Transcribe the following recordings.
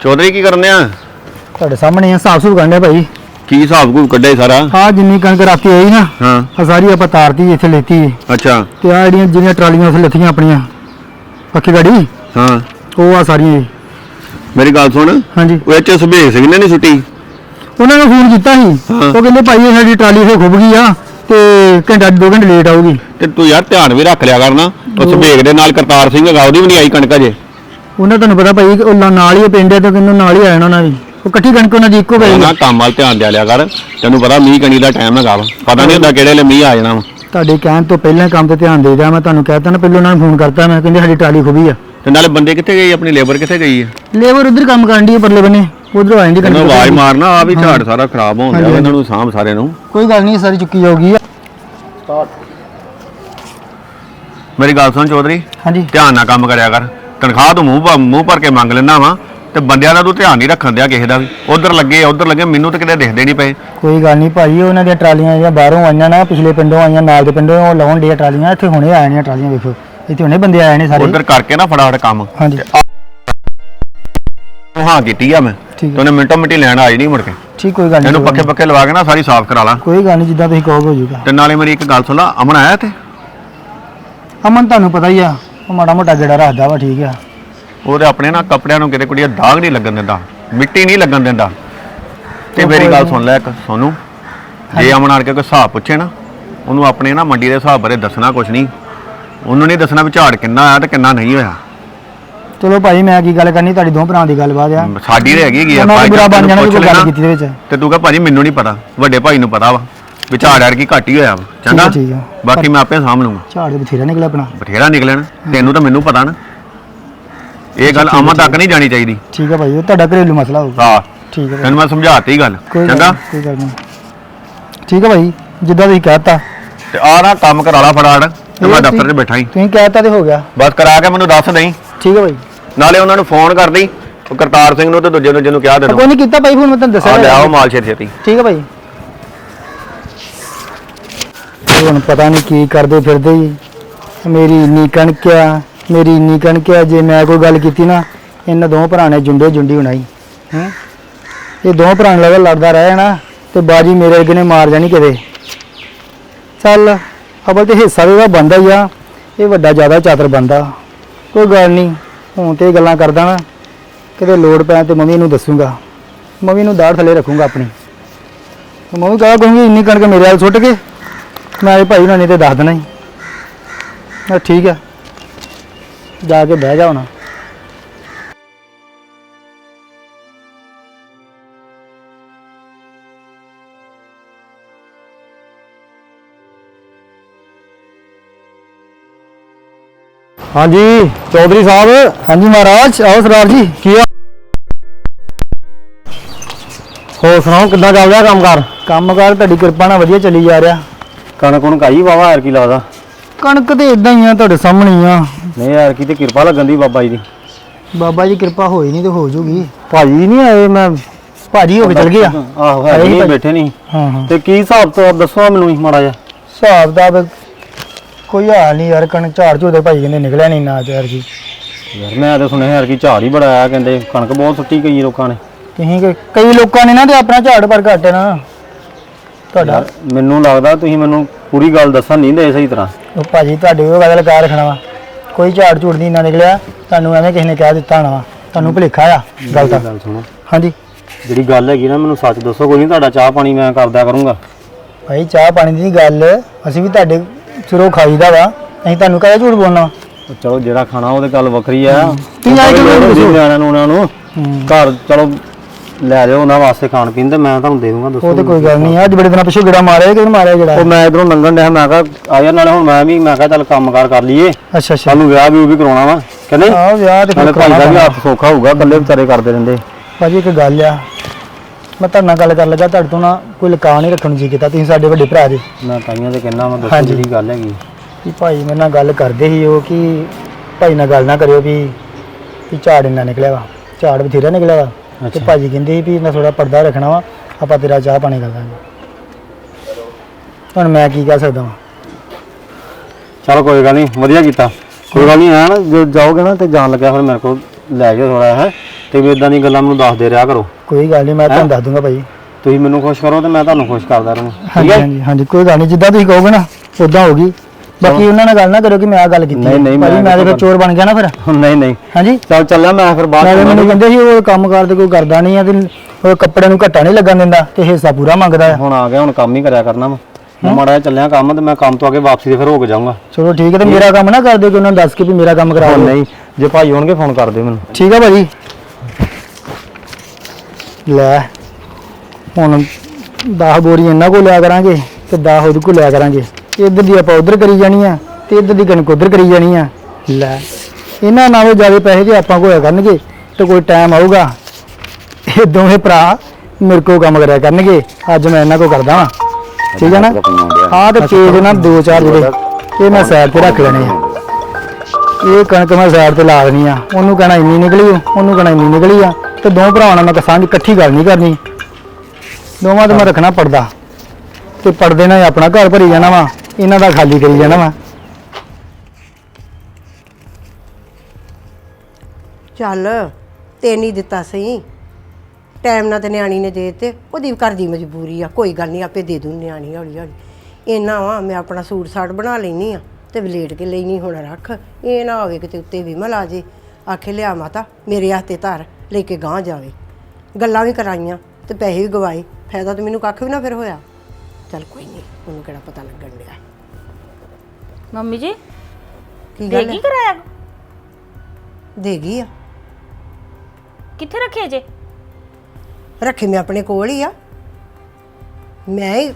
चौधरी की करने आ ਤੁਹਾਡੇ ਸਾਹਮਣੇ ਆ ਹਿਸਾਬ ਸੁਭ ਕਰਨੇ ਭਾਈ की हिसाब को कड्डे सारा ਆ ਜਿੰਨੀ ਕਣਕ ਰਾਤੀ ਆਈ ਨਾ हाँ ਆ ਸਾਰੀ ਆਪਾਂ ਤਾਰਤੀ ਇੱਥੇ ਲੈਤੀ अच्छा ਤੇ ਆ ਜਿਹੜੀਆਂ ਜਿਹੜੀਆਂ ਟਰਾਲੀਆਂ ਉੱਥੇ ਲੱਥੀਆਂ ਆਪਣੀਆਂ ਪੱਕੀ ਗਾੜੀ हाँ ਉਹ ਆ ਸਾਰੀਆਂ मेरी गल सुन ਹਾਂਜੀ वो एच सुबेग सिंह ने नहीं छुट्टी ਉਹਨਾਂ ਨੂੰ ਫੋਨ ਕੀਤਾ ਸੀ ਹਾਂ। ਉਹ ਕਹਿੰਦੇ ਭਾਈ ਇਹ ਸਾਡੀ ਟਰਾਲੀ ਫੇ ਖੁੱਭ ਗਈ ਆ ਤੇ ਘੰਟਾ 2 ਘੰਟੇ ਲੇਟ ਆਊਗੀ ਤੇ ਤੂੰ ਯਾਰ ਧਿਆਨ ਵੀ ਰੱਖ ਲਿਆ ਕਰਨਾ ਉਸ ਸੁਬੇਗ ਦੇ ਨਾਲ ਕਰਤਾਰ ਸਿੰਘ ਹੈਗਾ ਉਹਦੀ ਵੀ ਨਹੀਂ ਆਈ ਕਣਕ ਅਜੇ ਉਹਨਾਂ ਤੁਹਾਨੂੰ ਪਤਾ ਭਾਈ ਉਹ ਨਾਲ ਹੀ ਪਿੰਡ ਹੈ ਤੇ ਕਿੰਨੂੰ ਨਾਲ ਹੀ ਆ ਜਾਣਾ ਉਹਨਾਂ ਦੀ ਉਹ ਇਕੱਠੀ ਕਣਕ ਉਹਨਾਂ ਦੀ ਇੱਕੋ ਪਈ ਨਾ ਕੰਮ ਵੱਲ ਧਿਆਨ ਦੇ ਲਿਆ ਕਰ ਤੈਨੂੰ ਪਤਾ ਮੀਂਹ ਕਣੀ ਦਾ ਟਾਈਮ ਹੈਗਾ ਵਾ ਪਤਾ ਨਹੀਂ ਹੁੰਦਾ ਕਿਹੜੇ ਵੇਲੇ ਮੀਂਹ ਆ ਜਾਣਾ ਵਾ ਤੁਹਾਡੇ ਕਹਿਣ ਤੋਂ ਪਹਿਲਾਂ ਕੰਮ ਤੇ ਧਿਆਨ ਦੇ ਦਿਆ ਮੈਂ ਤੁਹਾਨੂੰ ਕਹਿਤਾ ਨਾ ਪਹਿਲਾਂ ਉਹਨਾਂ ਨੂੰ ਫੋਨ ਕਰਤਾ ਮੈਂ ਕਹਿੰਦੇ ਸਾਡੀ ਟਰਾਲੀ ਖੁੱਭੀ ਆ ਤੇ ਨਾਲੇ ਬੰਦੇ ਕਿੱਥੇ ਗਏ ਆਪਣੀ ਲੇਬਰ ਕਿੱਥੇ ਗਈ ਹੈ ਲੇਬਰ ਉਧਰ ਕੰਮ ਕਰਨ ਦੀ ਪਰਲੇ ਬੰਨੇ ਉਧਰੋਂ ਆਂਦੀ ਇਹਨਾਂ ਕਣਕ ਆਵਾਜ਼ ਮਾਰਨਾ ਆ ਵੀ ਝਾੜ ਸਾਰਾ ਖਰਾਬ ਹੋਣ ਡਿਆ ਇਹਨਾਂ ਨੂੰ ਸਾਂਭ ਸਾਰੇ ਨੂੰ ਕੋਈ ਗੱਲ ਨਹੀਂ ਸਾਰੀ ਚੁੱਕੀ ਜਾਊਗੀ ਮੇਰੀ ਗੱਲ ਸੁਣ ਚੌਧਰੀ ਹਾਂਜੀ ਧਿਆਨ ਨਾਲ ਕੰਮ ਕਰਿਆ ਕਰ ਤਨਖਾਹ ਤੋਂ ਮੂੰਹ ਭਰ ਕੇ ਮੰਗ ਲੈਂਦਾ ਵਾ ਤੇ ਬੰਦਿਆਂ ਦਾ ਤੂੰ ਧਿਆਨ ਨਹੀਂ ਰੱਖਣ ਦਿਆ ਕਿਸੇ ਦਾ ਵੀ ਉਧਰ ਲੱਗੇ ਮੈਨੂੰ ਤਾਂ ਕਿਤੇ ਦਿਖਦੇ ਨਹੀਂ ਪਏ ਕੋਈ ਗੱਲ ਨਹੀਂ ਭਾਈ ਉਹਨਾਂ ਦੀਆਂ ਟਰਾਲੀਆਂ ਜਿਹੜੀਆਂ ਬਾਹਰੋਂ ਆਈਆਂ ਨਾ ਪਿਛਲੇ ਪਿੰਡੋਂ ਆਈਆਂ ਨਾਲ ਦੇ ਪਿੰਡੋਂ ਉਹ ਲਾਉਣ ਦੀਆਂ ਟਰਾਲੀਆਂ ਇੱਥੇ ਹੁਣੇ ਆਏ ਨੇ ਟਰਾਲੀਆਂ ਵੇਖੋ ਇੱਥੇ ਹੁਣੇ ਬੰਦੇ ਆਏ ਨੇ ਸਾਰੇ ਉਧਰ ਕਰਕੇ ਨਾ ਫਟਾਫਟ ਕੰਮ ਹਾਂਜੀ ਹਾਂ ਕੀਤੀ ਆ ਮੈਂ ਠੀਕ ਤੇ ਉਹਨੇ ਮਿੰਟੋ ਮਿੰਟੀ ਲੈਣ ਆਈ ਨਹੀਂ ਮੁੜ ਕੇ ਠੀਕ ਕੋਈ ਗੱਲ ਇਹਨੂੰ ਨਹੀਂ ਪੱਕੇ ਲਵਾ ਕੇ ਨਾ ਸਾਰੀ ਸਾਫ਼ ਕਰਾ ਲਾ ਕੋਈ ਗੱਲ ਨਹੀਂ ਜਿੱਦਾਂ ਤੁਸੀਂ ਕਹੋਗੇ ਹੋ ਜਾਊਗਾ ਤੇ ਨਾਲੇ ਮੇਰੀ ਇੱਕ ਗੱਲ ਸੁਣ ਲਾ ਅਮਨ ਆਇਆ ਇੱਥੇ ਅਮਨ ਤੁਹਾਨੂੰ ਪਤਾ ਹੀ ਆ ਉਹ ਮਾੜਾ ਮੋਟਾ ਗੇੜਾ ਰੱਖਦਾ ਵਾ ਠੀਕ ਆ ਉਹਦੇ ਆਪਣੇ ਨਾ ਕੱਪੜਿਆਂ ਨੂੰ ਕਿਤੇ ਕੁੜੀਆਂ ਦਾਗ ਨਹੀਂ ਲੱਗਣ ਦਿੰਦਾ ਮਿੱਟੀ ਨਹੀਂ ਲੱਗਣ ਦਿੰਦਾ ਤੇ ਮੇਰੀ ਗੱਲ ਸੁਣ ਲੈ ਇੱਕ ਸੋਨੂੰ ਜੇ ਅਮਨ ਆਣ ਕੇ ਕੋਈ ਹਿਸਾਬ ਪੁੱਛੇ ਨਾ ਉਹਨੂੰ ਆਪਣੇ ਨਾ ਮੰਡੀ ਦੇ ਹਿਸਾਬ ਬਾਰੇ ਦੱਸਣਾ ਕੁਛ ਨਹੀਂ ਉਹਨੂੰ ਨਹੀਂ ਦੱਸਣਾ ਵੀ ਝਾੜ ਕਿੰਨਾ ਆਇਆ ਤੇ ਕਿੰਨਾ ਨਹੀਂ ਹੋਇਆ ਚਲੋ ਭਾਈ ਮੈਂ ਕੀ ਗੱਲ ਕਰਨੀ ਤੁਹਾਡੀ ਦੋ ਭਰਾਵਾਂ ਦੀ ਗੱਲਬਾਤ ਆ ਸਾਡੀ ਤੇ ਹੈਗੀ ਆ ਉਹਨਾਂ ਨੇ ਬੁਰਾ ਬਣ ਜਾਣਾ ਕੋਈ ਗੱਲ ਕੀਤੀ ਦੇ ਵਿੱਚ ਤੇ ਤੂੰ ਕਹ ਭਾਜੀ ਮੈਨੂੰ ਨਹੀਂ ਪਤਾ ਵੱਡੇ ਭਾਈ ਨੂੰ ਪਤਾ ਵਾ ਵੀ ਝਾੜ ਯਾਰ ਕੀ ਘੱਟ ਹੀ ਹੋਇਆ ਵਾ ਚੰਗਾ ਠੀਕ ਆ ਬਾਕੀ ਮੈਂ ਆਪੇ ਸਾਂਭ ਲੂੰਗਾ ਝਾੜ ਦੇ ਬਥੇਰਾ ਨਿਕਲਿਆ ਆਪਣਾ ਬਥੇਰਾ ਨਿਕਲਣ ਤੈਨੂੰ ਤਾਂ ਮੈਨੂੰ ਪਤਾ ਨਾ ਇਹ ਗੱਲ ਅਮਨ ਤੱਕ ਨਹੀਂ ਜਾਣੀ ਚਾਹੀਦੀ ਠੀਕ ਆ ਭਾਈ ਉਹ ਤੁਹਾਡਾ ਘਰੇਲੂ ਮਸਲਾ ਹੋਊਗਾ ਹਾਂ ਠੀਕ ਆ ਤੈਨੂੰ ਮੈਂ ਸਮਝਾਤੀ ਗੱਲ ਚੰਗਾ ਕੋਈ ਗੱਲ ਨਹੀਂ ਠੀਕ ਆ ਭਾਈ ਜਿੱਦਾਂ ਤੁਸੀਂ ਕਹਿਤਾ ਤੇ ਆ ਨਾ ਕੰਮ ਕਰਾ ਲਾ ਫਟਾਫਟ ਤੇ ਮੈਂ ਦਫ਼ਤਰ 'ਚ ਬੈਠਾ ਹੀ ਤੁਸੀਂ ਕਹਿਤਾ ਤੇ ਹੋ ਗਿਆ ਬਸ ਕਰਾ ਕੇ ਮੈਨੂੰ ਦੱਸ ਦੇਈਂ ਠੀਕ ਆ ਭਾਈ ਨਾਲੇ ਉਹਨਾਂ ਨੂੰ ਫੋਨ ਕਰ ਦੇਈਂ ਉਹ ਕਰਤਾਰ ਸਿੰਘ ਨੂੰ ਤੇ ਦੂਜੇ ਨੂੰ ਜਿਹਨੂੰ ਕਿਹਾ ਦੇ ਕੋਈ ਨਹੀਂ ਕੀਤਾ ਭਾਈ ਫੋਨ ਮੈਂ ਤੁਹਾਨੂੰ ਆ ਦੱਸਿਆ ਲੈ ਆਓ ਮਾਲ ਛੇਤੀ ਠੀਕ ਆ ਭਾਈ ਹੁਣ ਪਤਾ ਨਹੀਂ ਕੀ ਕਰਦੇ ਫਿਰਦੇ ਜੀ ਮੇਰੀ ਇੰਨੀ ਕਣਕ ਆ ਜੇ ਮੈਂ ਕੋਈ ਗੱਲ ਕੀਤੀ ਨਾ ਇਹਨਾਂ ਦੋ ਭਰਾ ਨੇ ਜੁੰਡੀ ਬਣਾਈ ਹੈ ਇਹ ਦੋ ਭਰਾ ਨਾਲ ਲੜਦਾ ਰਹਿ ਜਾਣਾ ਤੇ ਬਾਜੀ ਮੇਰੇ ਅੱਗੇ ਨੇ ਮਾਰ ਜਾਣੀ ਕਿਤੇ ਚੱਲ ਅਬਲ ਤੇ ਹਿੱਸਾ ਵੀ ਉਹਦਾ ਬੰਦਾ ਹੀ ਆ ਇਹ ਵੱਡਾ ਜ਼ਿਆਦਾ ਚਾਤਰ ਬੰਦਾ ਕੋਈ ਗੱਲ ਨਹੀਂ ਹੁਣ ਤੇ ਗੱਲਾਂ ਕਰਦਾ ਨਾ ਕਿਤੇ ਲੋੜ ਪੈਣ ਤੇ ਮੰਮੀ ਨੂੰ ਦੱਸੂਗਾ ਮੰਮੀ ਨੂੰ ਦਾੜ ਥੱਲੇ ਰੱਖੂਗਾ ਆਪਣੀ ਮੰਮੀ ਕਹੂੰਗੀ ਇੰਨੀ ਕਣਕ ਮੇਰੇ ਨਾਲ ਸੁੱਟ ਕੇ ਮੈਂ ਭਾਈ ਉਹਨਾਂ ਨੇ ਤੇ ਦੱਸ ਦੇਣਾ ਹੀ ਠੀਕ ਆ ਜਾ ਕੇ ਬਹਿ ਜਾ ਹੁਣ ਹਾਂਜੀ ਚੌਧਰੀ ਸਾਹਿਬ ਹਾਂਜੀ ਮਹਾਰਾਜ ਆਓ ਸਰਦਾਰ ਜੀ ਕੀ ਆ ਹੋਰ ਸੁਣਾਓ ਕਿੱਦਾਂ ਚੱਲ ਰਿਹਾ ਕੰਮਕਾਰ ਤੁਹਾਡੀ ਕਿਰਪਾ ਨਾਲ ਵਧੀਆ ਚੱਲੀ ਜਾ ਰਿਹਾ ਕਣਕ ਕਾਈ ਵਾਵਾ ਯਾਰ ਕੀ ਲੱਗਦਾ ਕਣਕ ਤੇ ਇਦਾਂ ਹੀ ਆ ਤੁਹਾਡੇ ਸਾਹਮਣੇ ਹੀ ਆ ਨਹੀਂ ਯਾਰ ਕੀ ਤੇ ਕਿਰਪਾ ਲੱਗਣ ਦੀ ਬਾਬਾ ਜੀ ਦੀ ਬਾਬਾ ਜੀ ਕਿਰਪਾ ਹੋਈ ਨਹੀਂ ਤੇ ਹੋ ਜੂਗੀ ਭਾਜੀ ਨਹੀਂ ਆਏ ਮੈਂ ਭਾਜੀ ਹੋ ਕੇ ਚਲ ਗਿਆ ਆਹੋ ਹੈ ਨਹੀਂ ਬੈਠੇ ਨਹੀਂ ਹਾਂ ਤੇ ਕੀ ਹਿਸਾਬ ਤੋਂ ਦੱਸੋ ਮੈਨੂੰ ਮਾੜਾ ਜਿਹਾ ਹਿਸਾਬ ਦਾ ਕੋਈ ਹਾਲ ਨਹੀਂ ਯਾਰ ਕਣਕ ਝਾੜ ਝੋਦੇ ਭਾਈ ਕਹਿੰਦੇ ਨਿਕਲਿਆ ਨਹੀਂ ਨਾ ਯਾਰ ਜੀ ਯਾਰ ਮੈਂ ਤਾਂ ਸੁਣਿਆ ਯਾਰ ਕੀ ਝਾੜ ਹੀ ਬੜਾ ਆਇਆ ਕਹਿੰਦੇ ਕਣਕ ਬਹੁਤ ਸੁੱਟੀ ਗਈ ਲੋਕਾਂ ਨੇ ਤੁਸੀਂ ਕਈ ਲੋਕਾਂ ਨੇ ਨਾ ਤੇ ਆਪਣਾ ਝਾੜ ਪਰ ਘੱਟ ਨਾ ਤੁਹਾਡਾ ਮੈਨੂੰ ਲੱਗਦਾ ਤੁਸੀਂ ਮੈਨੂੰ ਪੂਰੀ ਗੱਲ ਦੱਸਣ ਨਹੀਂ ਦੇ ਸਹੀ ਤਰ੍ਹਾਂ ਉਹ ਭਾਜੀ ਤੁਹਾਡੇ ਉਹ ਗੱਲ ਲਗਾ ਰੱਖਣਾ ਵਾ ਕੋਈ ਝਾੜ ਝੂੜ ਨਹੀਂ ਨਾ ਨਿਕਲਿਆ ਤੁਹਾਨੂੰ ਐਵੇਂ ਕਿਸੇ ਨੇ ਕਹਿ ਦਿੱਤਾ ਹੋਣਾ ਵਾ ਤੁਹਾਨੂੰ ਭੁਲੇਖਾ ਆ ਗੱਲ ਤਾਂ ਗੱਲ ਸੁਣੋ ਹਾਂਜੀ ਜਿਹੜੀ ਗੱਲ ਹੈਗੀ ਨਾ ਮੈਨੂੰ ਸੱਚ ਦੱਸੋ ਕੋਈ ਨਹੀਂ ਤੁਹਾਡਾ ਚਾਹ ਪਾਣੀ ਮੈਂ ਕਰਦਿਆ ਕਰੂੰਗਾ ਭਾਈ ਚਾਹ ਪਾਣੀ ਦੀ ਗੱਲ ਅਸੀਂ ਵੀ ਤੁਹਾਡੇ ਸਿਰੋਂ ਖਾਈਦਾ ਵਾ ਅਸੀਂ ਤੁਹਾਨੂੰ ਕਹੇ ਝੂਠ ਬੋਲਣਾ ਚਲੋ ਜਿਹੜਾ ਖਾਣਾ ਉਹਦੇ ਗੱਲ ਵੱਖਰੀ ਆ ਤੁਸੀਂ ਆਏ ਕਿਉਂ ਨਿਆਣਿਆਂ ਨੂੰ ਉਹਨਾਂ ਨੂੰ ਘਰ ਚਲੋ ਲੈ ਜਾਓ ਉਹਨਾਂ ਵਾਸਤੇ ਖਾਣ ਪੀਣ ਤੇ ਮੈਂ ਤੁਹਾਨੂੰ ਦੇ ਦੂੰਗਾ ਦੱਸੋ ਉਹ ਤੇ ਕੋਈ ਗੱਲ ਨਹੀਂ ਅੱਜ ਬੜੇ ਦਿਨਾਂ ਪਿੱਛੋਂ ਗੇੜਾ ਮਾਰਿਆ ਕਿਹਨੂੰ ਮਾਰਿਆ ਜਿਹੜਾ ਉਹ ਮੈਂ ਇਧਰੋਂ ਲੰਘਣ ਡਿਆ ਮੈਂ ਕਿਹਾ ਆ ਯਾਰ ਨਾਲੇ ਹੁਣ ਮੈਂ ਕਿਹਾ ਚੱਲ ਕੰਮਕਾਰ ਕਰ ਲਈਏ ਅੱਛਾ ਅੱਛਾ ਸਾਨੂੰ ਵਿਆਹ ਵੀ ਕਰਾਉਣਾ ਵਾ ਕਹਿੰਦੇ ਆਹ ਵਿਆਹ ਤੇ ਨਾਲੇ ਭਾਈ ਦਾ ਵੀ ਹੱਥ ਸੌਖਾ ਹੋਊਗਾ ਇਕੱਲੇ ਵਿਚਾਰੇ ਕਰਦੇ ਰਹਿੰਦੇ ਭਾਜੀ ਇੱਕ ਗੱਲ ਆ ਮੈਂ ਤੁਹਾਡੇ ਨਾਲ ਗੱਲ ਕਰਨ ਲੱਗਾ ਤੁਹਾਡੇ ਤੋਂ ਨਾ ਕੋਈ ਲਕਾ ਨਹੀਂ ਰੱਖਣ ਜੀ ਕੀਤਾ ਤੁਸੀਂ ਸਾਡੇ ਵੱਡੇ ਭਰਾ ਜੀ ਮੈਂ ਤਾਈਆਂ ਤੇ ਕਹਿਣਾ ਮੈਂ ਦੱਸੋ ਜਿਹੜੀ ਗੱਲ ਹੈਗੀ ਕਿ ਭਾਈ ਮੇਰੇ ਨਾਲ ਗੱਲ ਕਰਦੇ ਸੀ ਉਹ ਕਿ ਭਾਈ ਨਾਲ ਗੱਲ ਨਾ ਕਰਿਓ ਵੀ ਝਾੜ ਇੰਨਾ ਨਿਕਲਿਆ ਵਾ ਝਾੜ ਬਥੇਰਾ ਨਿਕਲਿਆ ਵਾ ਤੇ ਭਾਜੀ ਕਹਿੰਦੇ ਸੀ ਵੀ ਮੈਂ ਥੋੜਾ ਪਰਦਾ ਰੱਖਣਾ ਵਾ ਆਪਾਂ ਤੇਰਾ ਚਾਹ ਪਾਣੀ ਕਰ ਦਾਂਗੇ ਹੁਣ ਮੈਂ ਕੀ ਕਹਿ ਸਕਦਾ ਵਾਂ ਚਲ ਕੋਈ ਗੱਲ ਨਹੀਂ ਵਧੀਆ ਕੀਤਾ ਕੋਈ ਗੱਲ ਨਹੀਂ ਹੈ ਨਾ ਜੇ ਜਾਓਗੇ ਨਾ ਤੇ ਜਾਣ ਲੱਗਿਆ ਫਿਰ ਮੇਰੇ ਕੋਲ ਲੈ ਜਾਓ ਥੋੜਾ ਹੈ ਤੇ ਵੀ ਇਦਾਂ ਦੀਆਂ ਗੱਲਾਂ ਮੈਨੂੰ ਦੱਸਦੇ ਰਿਹਾ ਕਰੋ। ਕੋਈ ਗੱਲ ਨਹੀਂ, ਮੈਂ ਤੁਹਾਨੂੰ ਦੱਸ ਦੂੰਗਾ ਭਾਈ। ਤੁਸੀਂ ਮੈਨੂੰ ਖੁਸ਼ ਕਰੋ ਤੇ ਮੈਂ ਤੁਹਾਨੂੰ ਖੁਸ਼ ਕਰਦਾ ਰਹਾਂ। ਹਾਂਜੀ ਹਾਂਜੀ ਹਾਂਜੀ, ਕੋਈ ਗੱਲ ਨਹੀਂ, ਜਿੱਦਾਂ ਤੁਸੀਂ ਕਹੋਗੇ ਨਾ ਉਦਾਂ ਹੋਗੀ। ਬਾਕੀ ਉਹਨਾਂ ਨਾਲ ਗੱਲ ਨਾ ਕਰੋ ਕਿ ਮੈਂ ਆ ਗੱਲ ਕੀਤੀ। ਨਹੀਂ, ਭਾਜੀ ਮੈਂ ਤੇ ਫਿਰ ਚੋਰ ਬਣ ਗਿਆ ਨਾ ਫਿਰ। ਨਹੀਂ ਹਾਂਜੀ ਚੱਲ ਚੱਲਿਆ ਮੈਂ ਫਿਰ ਬਾਅਦ ਨਾਲੇ ਮੈਨੂੰ ਕਹਿੰਦੇ ਸੀ ਉਹ ਕੰਮ ਕਾਰ ਤੇ ਕੋਈ ਕਰਦਾ ਨਹੀਂ ਆ ਤੇ ਉਹ ਕੱਪੜੇ ਨੂੰ ਘੱਟਾ ਨਹੀਂ ਲੱਗਣ ਦਿੰਦਾ ਤੇ ਹਿੱਸਾ ਪੂਰਾ ਮੰਗਦਾ ਆ। ਹੁਣ ਆ ਗਿਆ, ਹੁਣ ਕੰਮ ਹੀ ਕਰਿਆ ਕਰਨਾ ਮੈਂ ਮਾੜਾ ਜਿਹਾ ਚੱਲਿਆ ਕੰਮ ਤੇ ਮੈਂ ਕੰਮ ਤੋਂ ਆ ਕੇ ਵਾਪਸੀ ਤੇ ਫਿਰ ਹੋ ਕੇ ਜਾਊਂਗਾ। ਚਲੋ ਠੀਕ ਹੈ, ਤੇ ਮੇਰਾ ਕੰਮ ਨਾ ਕਰ ਦਿਓ ਕਿ ਉਹਨਾਂ ਨੂੰ ਦੱਸ ਕੇ ਵੀ ਮੇਰਾ ਕੰਮ ਕਰਾ ਦਿਓ। ਨਹੀਂ ਜੇ ਭਾਈ ਹੋਣਗੇ ਫੋਨ ਕਰ ਦਿਓ ਮੈਨੂੰ। ਠੀਕ ਆ ਭਾਜੀ। ਲੈ ਹੁਣ 10 ਬੋਰੀ ਇਹਨਾਂ ਕੋਲ ਲਿਆ ਕਰਾਂਗੇ ਤੇ 10 ਉਹਦੇ ਕੋਲ ਲਿਆ ਕਰਾਂਗੇ। ਇੱਧਰ ਦੀ ਆਪਾਂ ਉਧਰ ਕਰੀ ਜਾਣੀ ਆ ਤੇ ਇੱਧਰ ਦੀ ਕਣਕ ਉਧਰ ਕਰੀ ਜਾਣੀ ਆ। ਲੈ ਇਹਨਾਂ ਨਾਲੋਂ ਜ਼ਿਆਦਾ ਪੈਸੇ ਜੇ ਆਪਾਂ ਕੋਲ ਹੋਇਆ ਕਰਨਗੇ ਤੇ ਕੋਈ ਟਾਈਮ ਆਊਗਾ ਇਹ ਦੋਵੇਂ ਭਰਾ ਮੇਰੇ ਕੋਲ ਕੰਮ ਕਰਿਆ ਕਰਨਗੇ। ਅੱਜ ਮੈਂ ਇਹਨਾਂ ਕੋਲ ਕਰਦਾ ਵਾਂ, ਠੀਕ ਹੈ ਨਾ। ਆਹ ਤੇ ਪੇਜ ਨਾ 2-4 ਜਿਹੜੇ ਇਹ ਮੈਂ ਸਾਈਡ ਤੇ ਰੱਖ ਲੈਣੇ ਆ। ਇਹ ਕਣਕ ਮੈਂ ਸਾਈਡ ਤੇ ਲਾ ਦੇਣੀ ਆ। ਉਹਨੂੰ ਕਹਿਣਾ ਇੰਨੀ ਨਿਕਲੀ, ਉਹਨੂੰ ਕਹਿਣਾ ਇੰਨੀ ਨਿਕਲੀ ਆ ਤੇ ਦੋ ਭਰਾਵਾਂ ਨਾਲ ਮੈਂ ਸਾਂਝ ਇਕੱਠੀ ਗੱਲ ਨਹੀਂ ਕਰਨੀ। ਦੋਵਾਂ ਤੇ ਮੈਂ ਰੱਖਣਾ ਪਰਦਾ ਤੇ ਪਰਦੇ ਨਾਲ ਆਪਣਾ ਘਰ ਭਰੀ ਜਾਣਾ ਵਾ, ਇਹਨਾਂ ਦਾ ਖਾਲੀ ਕਰੀ ਜਾਣਾ ਵਾ। ਚੱਲ ਤੇ ਨਹੀਂ ਦਿੱਤਾ ਸਹੀ ਟਾਈਮ ਨਾਲ ਤੇ ਨਿਆਣੀ ਨੇ ਦੇ ਤੇ ਉਹਦੀ ਘਰ ਦੀ ਮਜਬੂਰੀ ਆ। ਕੋਈ ਗੱਲ ਨਹੀਂ, ਆਪੇ ਦੇ ਦੂੰ ਨਿਆਣੀ ਹੌਲੀ ਹੌਲੀ। ਇੰਨਾ ਵਾ ਮੈਂ ਆਪਣਾ ਸੂਟ ਸਾਟ ਬਣਾ ਲੈਣੀ ਆ ਤੇ ਵਲੇਟ ਕੇ ਲੈਣੀ ਹੁਣ ਰੱਖ। ਇਹ ਨਾ ਹੋਵੇ ਕਿਤੇ ਉੱਤੇ ਵਿਮਲ ਆ ਜੇ ਆਖੇ ਲਿਆ ਮਾਤਾ ਮੇਰੇ ਹੱਥੇ ਧਰ ਲੈ ਕੇ ਗਾਂਹ ਜਾਵੇ। ਗੱਲਾਂ ਵੀ ਕਰਾਈਆਂ ਤੇ ਪੈਸੇ ਵੀ ਗਵਾਏ, ਫਾਇਦਾ ਤਾਂ ਮੈਨੂੰ ਕੱਖ ਵੀ ਨਾ ਫਿਰ ਹੋਇਆ। ਚੱਲ ਕੋਈ ਨਹੀਂ, ਉਹਨੂੰ ਕਿਹੜਾ ਪਤਾ ਲੱਗਣ ਡਿਆ। ਮੰਮੀ ਜੀ ਕੀ ਗੱਲ ਦੇਗੀ ਹੈ? ਕਰਾਇਆ? ਦੇਗੀ ਆ, ਕਿੱਥੇ ਰੱਖੇ ਜੇ? ਰੱਖੀ ਮੈਂ ਆਪਣੇ ਕੋਲ ਹੀ ਆ। ਮੈਂ ਹੀ